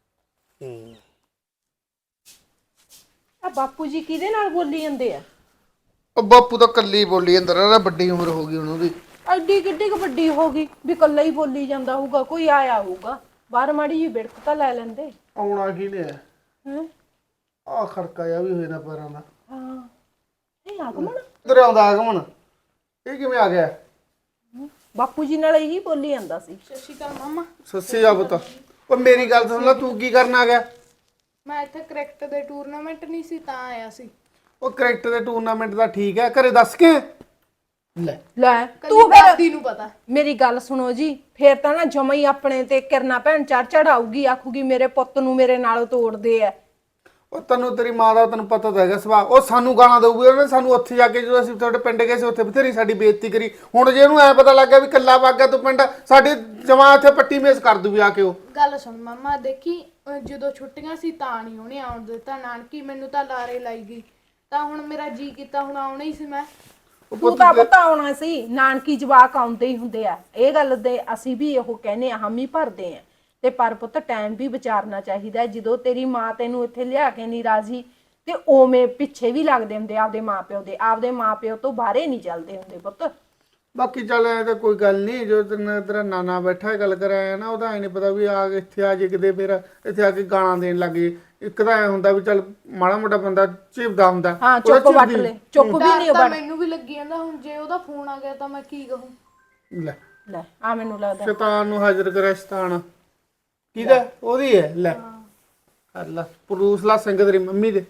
ਆ ਬਾਪੂ ਜੀ ਕਿਹਦੇ ਨਾਲ ਬੋਲੀ ਜਾਂਦੇ ਆ?
ਉਹ ਬਾਪੂ ਤਾਂ ਕੱਲੀ ਬੋਲੀ ਅੰਦਰ ਆ, ਵੱਡੀ ਉਮਰ ਹੋ ਗਈ ਉਹਨੂੰ ਦੀ।
ਐਡੀ ਕਿੱਡੀ ਕੁ ਵੱਡੀ ਹੋ ਗਈ ਵੀ ਇਕੱਲਾ ਹੀ ਬੋਲੀ ਜਾਂਦਾ ਹੋਊਗਾ, ਕੋਈ ਆਇਆ ਹੋਊਗਾ ਬਾਹਰ, ਮਾੜੀ ਜੀ ਬਿੜਕ ਤਾਂ ਲੈ ਲੈਂਦੇ।
ਆਉਣਾ ਕੀ ਨੇ?
ਹੈ
ਆ ਖੜਕਾ ਜਾ ਵੀ ਹੋਏ ਨਾ ਪੈਰਾਂ ਦਾ।
ਹਾਂ ਇਹ ਆਗਮਨ
ਇੱਧਰ ਆਉਂਦਾ ਆਗਮਨ, ਇਹ ਕਿਵੇਂ ਆ ਗਿਆ?
ਬਾਪੂ ਜੀ ਨਾਲ ਇਹੀ ਬੋਲੀ ਜਾਂਦਾ ਸੀ।
ਸਤਿ ਸ਼੍ਰੀ ਅਕਾਲ ਮਾਮਾ।
ਸੱਸੀ ਜਾ ਪੁੱਤ। ਉਹ ਮੇਰੀ ਗੱਲ ਸੁਣ ਲੈ, ਤੂੰ ਕੀ ਕਰਨ ਆ ਗਿਆ?
ਮੈਂ ਇੱਥੇ ਕ੍ਰਿਕਟ ਦੇ ਟੂਰਨਾਮੈਂਟ ਨਹੀਂ ਸੀ ਤਾਂ ਆਇਆ ਸੀ।
ਉਹ ਕ੍ਰਿਕਟ ਦੇ ਟੂਰਨਾਮੈਂਟ ਦਾ ਠੀਕ ਹੈ, ਘਰੇ ਦੱਸ ਕੇ
ਲੈ ਤੂੰ ਫਿਰ
ਨੂੰ ਪਤਾ।
ਮੇਰੀ ਗੱਲ ਸੁਣੋ ਜੀ, ਫੇਰ ਤਾਂ ਨਾ ਜਮਾ ਹੀ ਆਪਣੇ ਤੇ ਕਿਰਨਾ ਭੈਣ ਚੜ ਆਊਗੀ, ਆਖੂਗੀ ਮੇਰੇ ਪੁੱਤ ਨੂੰ ਮੇਰੇ ਨਾਲ ਤੋੜਦੇ ਆ।
ਉਹ ਤੈਨੂੰ ਤੇਰੀ ਮਾਂ ਦਾ ਤੈਨੂੰ ਪਤਾ ਤਾਂ ਹੈਗਾ ਸੁਭਾਅ, ਉਹ ਸਾਨੂੰ ਗਾਲਾਂ ਦਊਗੀ। ਉਹਨੇ ਸਾਨੂੰ ਉੱਥੇ ਜਾ ਕੇ, ਜਦੋਂ ਅਸੀਂ ਤੁਹਾਡੇ ਪਿੰਡ ਗਏ ਸੀ, ਉੱਥੇ ਬਥੇਰੀ ਸਾਡੀ ਬੇਇੱਜ਼ਤੀ ਕਰੀ। ਹੁਣ ਜੇ ਉਹਨੂੰ ਐ ਪਤਾ ਲੱਗ ਗਿਆ ਵੀ ਕੱਲਾ ਵਗ ਗਿਆ ਤੂੰ ਪਿੰਡ, ਸਾਡੀ ਜਮਾਂ ਇੱਥੇ ਪੱਟੀ ਮੇਸ ਕਰ ਦੂ ਵੀ ਆ ਕੇ। ਉਹ
ਗੱਲ ਸੁਣ ਮਾਮਾ, ਦੇਖੀ ਜਦੋਂ ਛੁੱਟੀਆਂ ਸੀ ਤਾਂ ਨਹੀਂ ਉਹਨੇ ਆਉਣ ਦਿੱਤਾ ਨਾਨਕੀ, ਮੈਨੂੰ ਤਾਂ ਲਾਰੇ ਲਾਈ ਗਈ, ਤਾਂ ਹੁਣ ਮੇਰਾ ਜੀ ਕੀਤਾ, ਹੁਣ ਆਉਣਾ ਹੀ ਸੀ ਮੈਂ।
ਤੂੰ ਤਾਂ ਪਤਾ ਆਉਣਾ ਸੀ, ਨਾਨਕੀ ਜਵਾਕ ਆਉਂਦੇ ਹੀ ਹੁੰਦੇ ਆ, ਇਹ ਗੱਲ ਦੇ ਅਸੀਂ ਵੀ ਉਹ ਕਹਿੰਦੇ ਆ, ਹਾਮੀ ਭਰਦੇ ਆ। ਤੇ ਪਰ ਪੁੱਤ ਟਾਈਮ ਵੀ ਵਿਚਾਰਨਾ ਚਾਹੀਦਾ। ਜਦੋਂ ਤੇਰੀ ਮਾਂ ਤੈਨੂੰ ਇੱਥੇ ਲਿਆ ਕੇ ਨਹੀਂ ਰਾਜੀ, ਤੇ ਉਵੇਂ ਪਿੱਛੇ ਵੀ ਲੱਗਦੇ ਹੁੰਦੇ ਆਪਦੇ ਮਾਪਿਓ ਦੇ, ਆਪਦੇ ਮਾਪਿਓ ਤੋਂ ਬਾਹਰੇ ਨਹੀਂ ਚੱਲਦੇ ਹੁੰਦੇ ਪੁੱਤ।
ਬਾਕੀ ਚੱਲ ਐ ਤਾਂ ਕੋਈ ਗੱਲ ਨਹੀਂ, ਜੋ ਤੇਰਾ ਨਾਨਾ ਬੈਠਾ ਗੱਲ ਕਰਾਇਆ ਨਾ, ਉਹਦਾ ਐ ਨਹੀਂ ਪਤਾ ਵੀ ਆ ਇੱਥੇ ਆ ਜੇ ਕਿਤੇ ਫਿਰ ਇੱਥੇ ਆ ਕੇ ਗਾਲਾਂ ਦੇਣ ਲੱਗ ਜੇ। ਇੱਕ ਤਾਂ ਐ ਹੁੰਦਾ ਵੀ ਚੱਲ ਮਾੜਾ ਮੋਟਾ ਬੰਦਾ ਝਿਪਦਾ ਹੁੰਦਾ।
ਹਾਂ ਚੁੱਪ ਵੱਟ ਲੈ, ਚੁੱਪ ਵੀ ਨਹੀਂ
ਤਾਂ
ਵੱਟ।
ਮੈਨੂੰ ਵੀ ਲੱਗੀ ਜਾਂਦਾ, ਹੁਣ ਜੇ ਉਹਦਾ ਫੋਨ ਆ ਗਿਆ ਤਾਂ ਮੈਂ ਕੀ ਕਹੂੰ?
ਲੈ
ਲੈ ਆ ਮੈਨੂੰ ਲੱਗਦਾ
ਸ਼ੈਤਾਨ ਨੂੰ ਹਾਜ਼ਰ ਕਰਿਆ ਸ਼ੈਤਾਨ। ਕਿਹਦਾ? ਉਹਦੀ ਹੈ। ਲੈ ਅੱਲਾ ਪਰੂਸ ਲਾ ਸਿੰਘ ਤੇਰੀ ਮੰਮੀ ਦੇ।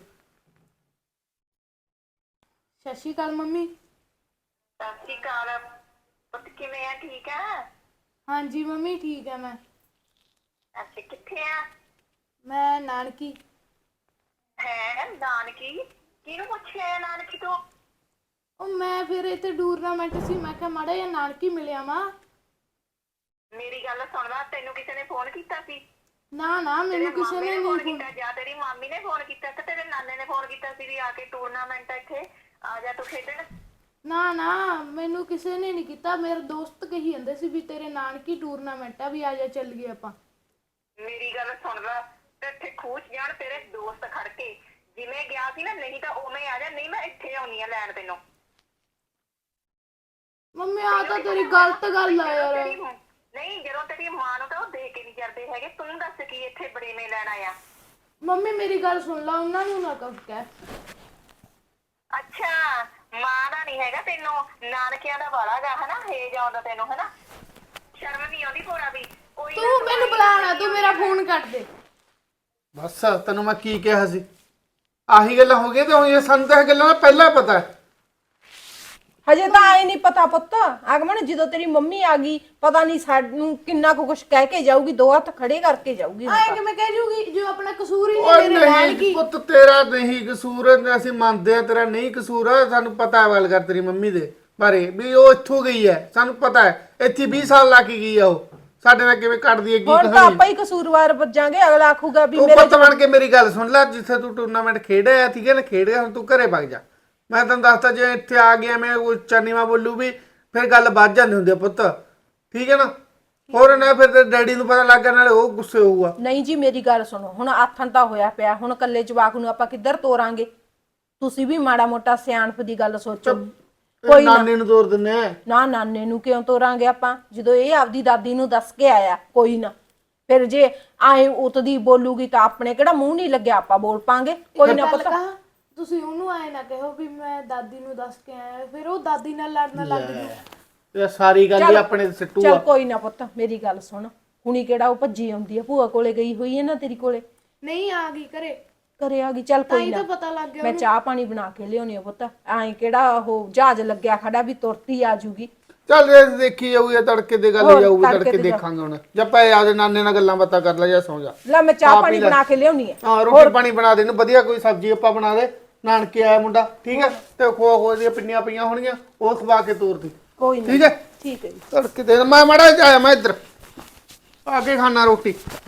ਸਤਿ ਸ਼੍ਰੀ ਅਕਾਲ ਮੰਮੀ।
ਸਤਿ ਸ਼੍ਰੀ ਅਕਾਲ ਪੁੱਤ, ਕਿਵੇਂ ਆ? ਠੀਕ ਆ?
ਹਾਂਜੀ ਮੰਮੀ ਠੀਕ ਹੈ ਮੈਂ।
ਅੱਛਾ ਕਿੱਥੇ ਆ?
ਮੈਂ ਨਾਨਕੀ।
ਹੈ ਨਾਨਕੀ? ਕਿਹਨੂੰ ਪੁੱਛਿਆ ਨਾਨਕੀ ਤੋਂ?
ਉਹ ਮੈਂ ਫਿਰ ਇੱਥੇ ਟੂਰਨਾਮੈਂਟ ਸੀ, ਮੈਂ ਕਿਹਾ ਮਾੜਾ ਜਿਹਾ ਨਾਨਕੀ ਮਿਲਿਆ ਮਾਂ।
ਮੇਰੀ ਗੱਲ ਸੁਣ ਲੈ, ਤੈਨੂੰ ਕਿਸੇ ਨੇ ਫੋਨ ਕੀਤਾ ਸੀ?
ਨਾ ਮੈਨੂੰ ਕਿਸੇ ਨੇ
ਫੋਨ
ਨਹੀਂ
ਕੀਤਾ, ਜਾਂ ਤੇਰੀ ਮਾਮੀ ਨੇ ਫੋਨ ਕੀਤਾ ਤੇ ਤੇਰੇ ਨਾਨੇ ਨੇ ਫੋਨ ਕੀਤਾ ਸੀ ਵੀ ਆ ਕੇ ਟੂਰਨਾਮੈਂਟ ਇੱਥੇ ਆ ਜਾ ਤੂੰ ਖੇਡਣ?
ਨਾ ਮੈਨੂੰ ਕਿਸੇ ਨੇ ਨਹੀਂ ਕੀਤਾ। ਮੇਰੇ ਦੋਸਤ ਕਹੀ ਜਾਂਦੇ ਸੀ ਵੀ ਤੇਰੇ ਨਾਨਕੀ ਟੂਰਨਾਮੈਂਟ ਆ, ਵੀ ਆ ਜਾ ਚੱਲ ਗਏ ਆਪਾਂ।
ਮੇਰੀ ਗੱਲ ਸੁਣ ਲੈ, ਤੇ ਇੱਥੇ ਖੂਚ ਜਾਣ ਤੇਰੇ ਦੋਸਤ ਖੜ ਕੇ, ਜਿਵੇਂ ਗਿਆ ਸੀ ਨਾ, ਨਹੀਂ ਤਾਂ ਉਵੇਂ ਆ ਜਾ, ਨਹੀਂ ਮੈਂ ਇੱਥੇ ਆਉਣੀ ਆ ਲੈਣ ਤੈਨੂੰ।
ਮੰਮੀ ਆ ਤਾਂ ਤੇਰੀ ਗਲਤ ਗੱਲ ਆ ਯਾਰ।
ਨਹੀਂ, ਜਦੋਂ ਤੇਰੀ ਮਾਂ ਨੂੰ ਤਾਂ ਉਹ ਦੇ ਕੇ ਨਹੀਂ ਕਰਦੇ ਹੈਗੇ, ਤੂੰ ਦੱਸ ਕੀ ਇੱਥੇ ਬੜੇਵੇਂ ਲੈਣ ਆਇਆ?
ਮੰਮੀ ਮੇਰੀ ਗੱਲ ਸੁਣ ਲਾ, ਉਹਨਾਂ ਨੂੰ ਨਾ ਕਹਿ।
ਅੱਛਾ, ਮਾਂ ਦਾ ਨਹੀਂ ਹੈਗਾ ਤੈਨੂੰ, ਨਾਨਕਿਆਂ ਦਾ ਵਾਲਾ ਗਾ ਹਨਾ, ਹੇਜ ਆਉਂਦਾ ਤੈਨੂੰ ਹਨਾ, ਸ਼ਰਮ ਨਹੀਂ ਆਉਂਦੀ ਭੋਰਾ ਵੀ? ਕੋਈ ਨਾ,
ਤੂੰ ਮੈਨੂੰ ਬੁਲਾਣਾ, ਤੂੰ ਮੇਰਾ ਫੋਨ ਕੱਟ ਦੇ।
ਬਸ ਤੈਨੂੰ ਮੈਂ ਕੀ ਕਿਹਾ ਸੀ? ਆਹੀ ਗੱਲਾਂ ਹੋ ਗਈਆਂ ਤੇ ਹੁਣ ਸਾਨੂੰ ਤਾਂ ਇਹ ਗੱਲਾਂ ਦਾ ਪਹਿਲਾਂ ਪਤਾ ਹੈ।
ਹਜੇ ਤਾਂ ਆਏ ਨਹੀਂ ਪਤਾ ਪੁੱਤ। ਆਗਮਨ ਜਦੋਂ ਤੇਰੀ ਮੰਮੀ ਆ ਗਈ, ਪਤਾ ਨਹੀਂ ਸਾਨੂੰ ਕਿੰਨਾ ਕੁ ਕੁਛ ਕਹਿ ਕੇ ਜਾਊਗੀ, ਦੋ ਹੱਥ ਖੜੇ ਕਰਕੇ ਜਾਊਗੀ।
ਆਏ ਕਿਵੇਂ ਕਹਿ ਜੂਗੀ, ਜੋ ਆਪਣਾ ਕਸੂਰ ਹੀ
ਓਏ
ਨਹੀਂ ਮੇਰੇ ਨਾਲ
ਨਹੀਂ
ਕੀ।
ਪੁੱਤ, ਤੇਰਾ ਨਹੀਂ ਕਸੂਰ, ਅਸੀਂ ਮੰਨਦੇ ਆ ਤੇਰਾ ਨਹੀਂ ਕਸੂਰ ਆ। ਸਾਨੂੰ ਪਤਾ ਹੈ ਗੱਲ ਕਰ ਤੇਰੀ ਮੰਮੀ ਦੇ ਬਾਰੇ ਵੀ ਉਹ ਇੱਥੋਂ ਗਈ ਹੈ, ਸਾਨੂੰ ਪਤਾ ਹੈ। ਇੱਥੇ 20 ਸਾਲ ਲਾ ਕੇ ਗਈ ਆ ਉਹ, ਸਾਡੇ ਨਾਲ ਕਿਵੇਂ ਕੱਢਦੀ ਹੈ ਕੀ
ਹੁਣ ਤਾਂ
ਕਹਾਣੀ।
ਆਪਾਂ ਹੀ ਕਸੂਰਵਾਰ ਵੱਜਾਂਗੇ, ਅਗਲਾ ਆਖੂਗਾ ਵੀ
ਤੂੰ
ਮੇਰੇ
ਪੁੱਤ ਬਣ ਕੇ ਮੇਰੀ ਗੱਲ ਸੁਣ ਲੈ, ਜਿੱਥੇ ਤੂੰ ਟੂਰਨਾਮੈਂਟ ਖੇਡਿਆ ਠੀਕ ਹੈ ਨਾ, ਖੇਡ ਗਿਆ, ਹੁਣ ਤੂੰ ਘਰੇ ਵਗ ਜਾ। ਮੈਂ ਤੈਨੂੰ ਦੱਸਤਾ, ਜੇ ਇੱਥੇ ਆ ਗਿਆ ਮੈਂ ਉੱਚਾ ਨੀਵਾਂ ਬੋਲੂ ਵੀ ਫਿਰ ਗੱਲ ਵੱਧ ਜਾਂਦੀ ਹੁੰਦੀ ਆ ਪੁੱਤ, ਠੀਕ ਹੈ ਨਾ। ਹੋਰ ਨਾ ਫਿਰ ਤੇ ਡੈਡੀ ਨੂੰ ਪਤਾ ਲੱਗ ਗਿਆ ਨਾਲੇ ਉਹ ਗੁੱਸੇ ਹੋਊਗਾ।
ਨਹੀਂ ਜੀ ਮੇਰੀ ਗੱਲ ਸੁਣੋ, ਹੁਣ ਆਥਣ ਤਾਂ ਹੋਇਆ ਪਿਆ, ਹੁਣ ਕੱਲੇ ਜਵਾਕ ਨੂੰ ਆਪਾਂ ਕਿੱਧਰ ਤੋਰਾਂਗੇ? ਤੁਸੀਂ ਵੀ ਮਾੜਾ ਮੋਟਾ ਸਿਆਣਪ ਦੀ ਗੱਲ ਸੋਚੋ। ਕੋਈ ਨਾ,
ਨਾਨੀ ਨੂੰ ਤੋਰ ਦਿੰਨੇ ਆ।
ਨਾ ਨਾਨੇ ਨੂੰ ਕਿਉਂ ਤੋਰਾਂਗੇ ਆਪਾਂ, ਜਦੋਂ ਇਹ ਆਪਦੀ ਦਾਦੀ ਨੂੰ ਦੱਸ ਕੇ ਆਇਆ। ਕੋਈ ਨਾ, ਫਿਰ ਜੇ ਆਏ ਉਤਦੀ ਬੋਲੂਗੀ ਤਾਂ ਆਪਣੇ ਕਿਹੜਾ ਮੂੰਹ ਨਹੀਂ ਲੱਗਿਆ, ਆਪਾਂ ਬੋਲ ਪਾਂਗੇ। ਕੋਈ ਨਾ
ਗੱਲ
ਪਤਾ
ਕਹਾਂ, ਤੁਸੀਂ ਉਹਨੂੰ ਆਏ ਨਾ ਕਹੋ ਵੀ ਮੈਂ ਦਾਦੀ ਨੂੰ ਦੱਸ ਕੇ ਆਇਆ, ਫਿਰ ਉਹ ਦਾਦੀ ਨਾਲ ਲੜਨ ਲੱਗ ਜੂ।
ਇਹ ਸਾਰੀ ਗੱਲ ਹੀ ਆਪਣੇ ਤੇ ਸਿੱਟੂ
ਚੱਲ
ਆ।
ਕੋਈ ਨਾ ਪੁੱਤ, ਮੇਰੀ ਗੱਲ ਸੁਣ, ਹੁਣੀ ਕਿਹੜਾ ਉਹ ਭੱਜੀ ਆਉਂਦੀ ਆ, ਭੂਆ ਕੋਲੇ ਗਈ ਹੋਈ ਹੈ ਨਾ ਤੇਰੀ ਕੋਲੇ,
ਨਹੀਂ ਆ ਗਈ ਘਰੇ,
ਘਰੇ ਆ ਗਈ। ਚੱਲ
ਤਾਂ
ਕੋਈ
ਹੀ
ਨਾ,
ਤਾਂ ਪਤਾ ਲੱਗ ਗਿਆ
ਮੈਂ ਚਾਹ ਪਾਣੀ ਬਣਾ ਕੇ ਲਿਆਉਣੀ ਆ ਪੁੱਤ। ਐਂ ਕਿਹੜਾ ਉਹ ਜਹਾਜ਼ ਲੱਗਿਆ ਖੜਾ ਵੀ ਤੁਰਤੀ ਆ ਜੂਗੀ।
ਚੱਲ ਇਹ ਦੇਖੀ ਜਾਊ, ਇਹ ਤੜਕੇ ਦੀ ਗੱਲ
ਹੋਰ,
ਜਾਊਗੀ,
ਤੜਕੇ
ਤੜਕੇ
ਦੀ
ਦੇਖਾਂਗੇ ਹੁਣ। ਜਦ ਪਏ ਆਦੇ ਨਾਨੇ ਨਾਲ ਗੱਲਾਂ ਬਾਤਾਂ ਕਰ ਲੈ ਜਾਂ ਸੌਂ ਜਾ।
ਲੈ ਮੈਂ ਚਾਹ ਪਾਣੀ ਬਣਾ ਕੇ ਲਿਆਉਣੀ ਆ।
ਹਾਂ ਰੋਟੀ ਪਾਣੀ ਬਣਾ ਦੇ, ਇਹਨੂੰ ਵਧੀਆ ਕੋਈ ਸਬਜ਼ੀ ਆਪਾਂ ਬਣਾ ਦੇ। ਨਾਨਕੇ ਆਇਆ ਮੁੰਡਾ, ਠੀਕ ਹੈ, ਤੇ ਖੋ ਦੀਆਂ ਪਿੰਨੀਆਂ ਪਈਆਂ ਹੋਣਗੀਆਂ, ਉਹ ਖਵਾ ਕੇ ਤੋਰ ਦੀ।
ਕੋਈ ਨਾ,
ਠੀਕ ਹੈ,
ਠੀਕ ਹੈ ਜੀ।
ਤੜਕੇ ਦੇ ਮੈਂ ਮਾੜਾ ਜਿਹਾ ਆਇਆ, ਮੈਂ ਇੱਧਰ ਆ ਕੇ ਖਾਣਾ ਰੋਟੀ।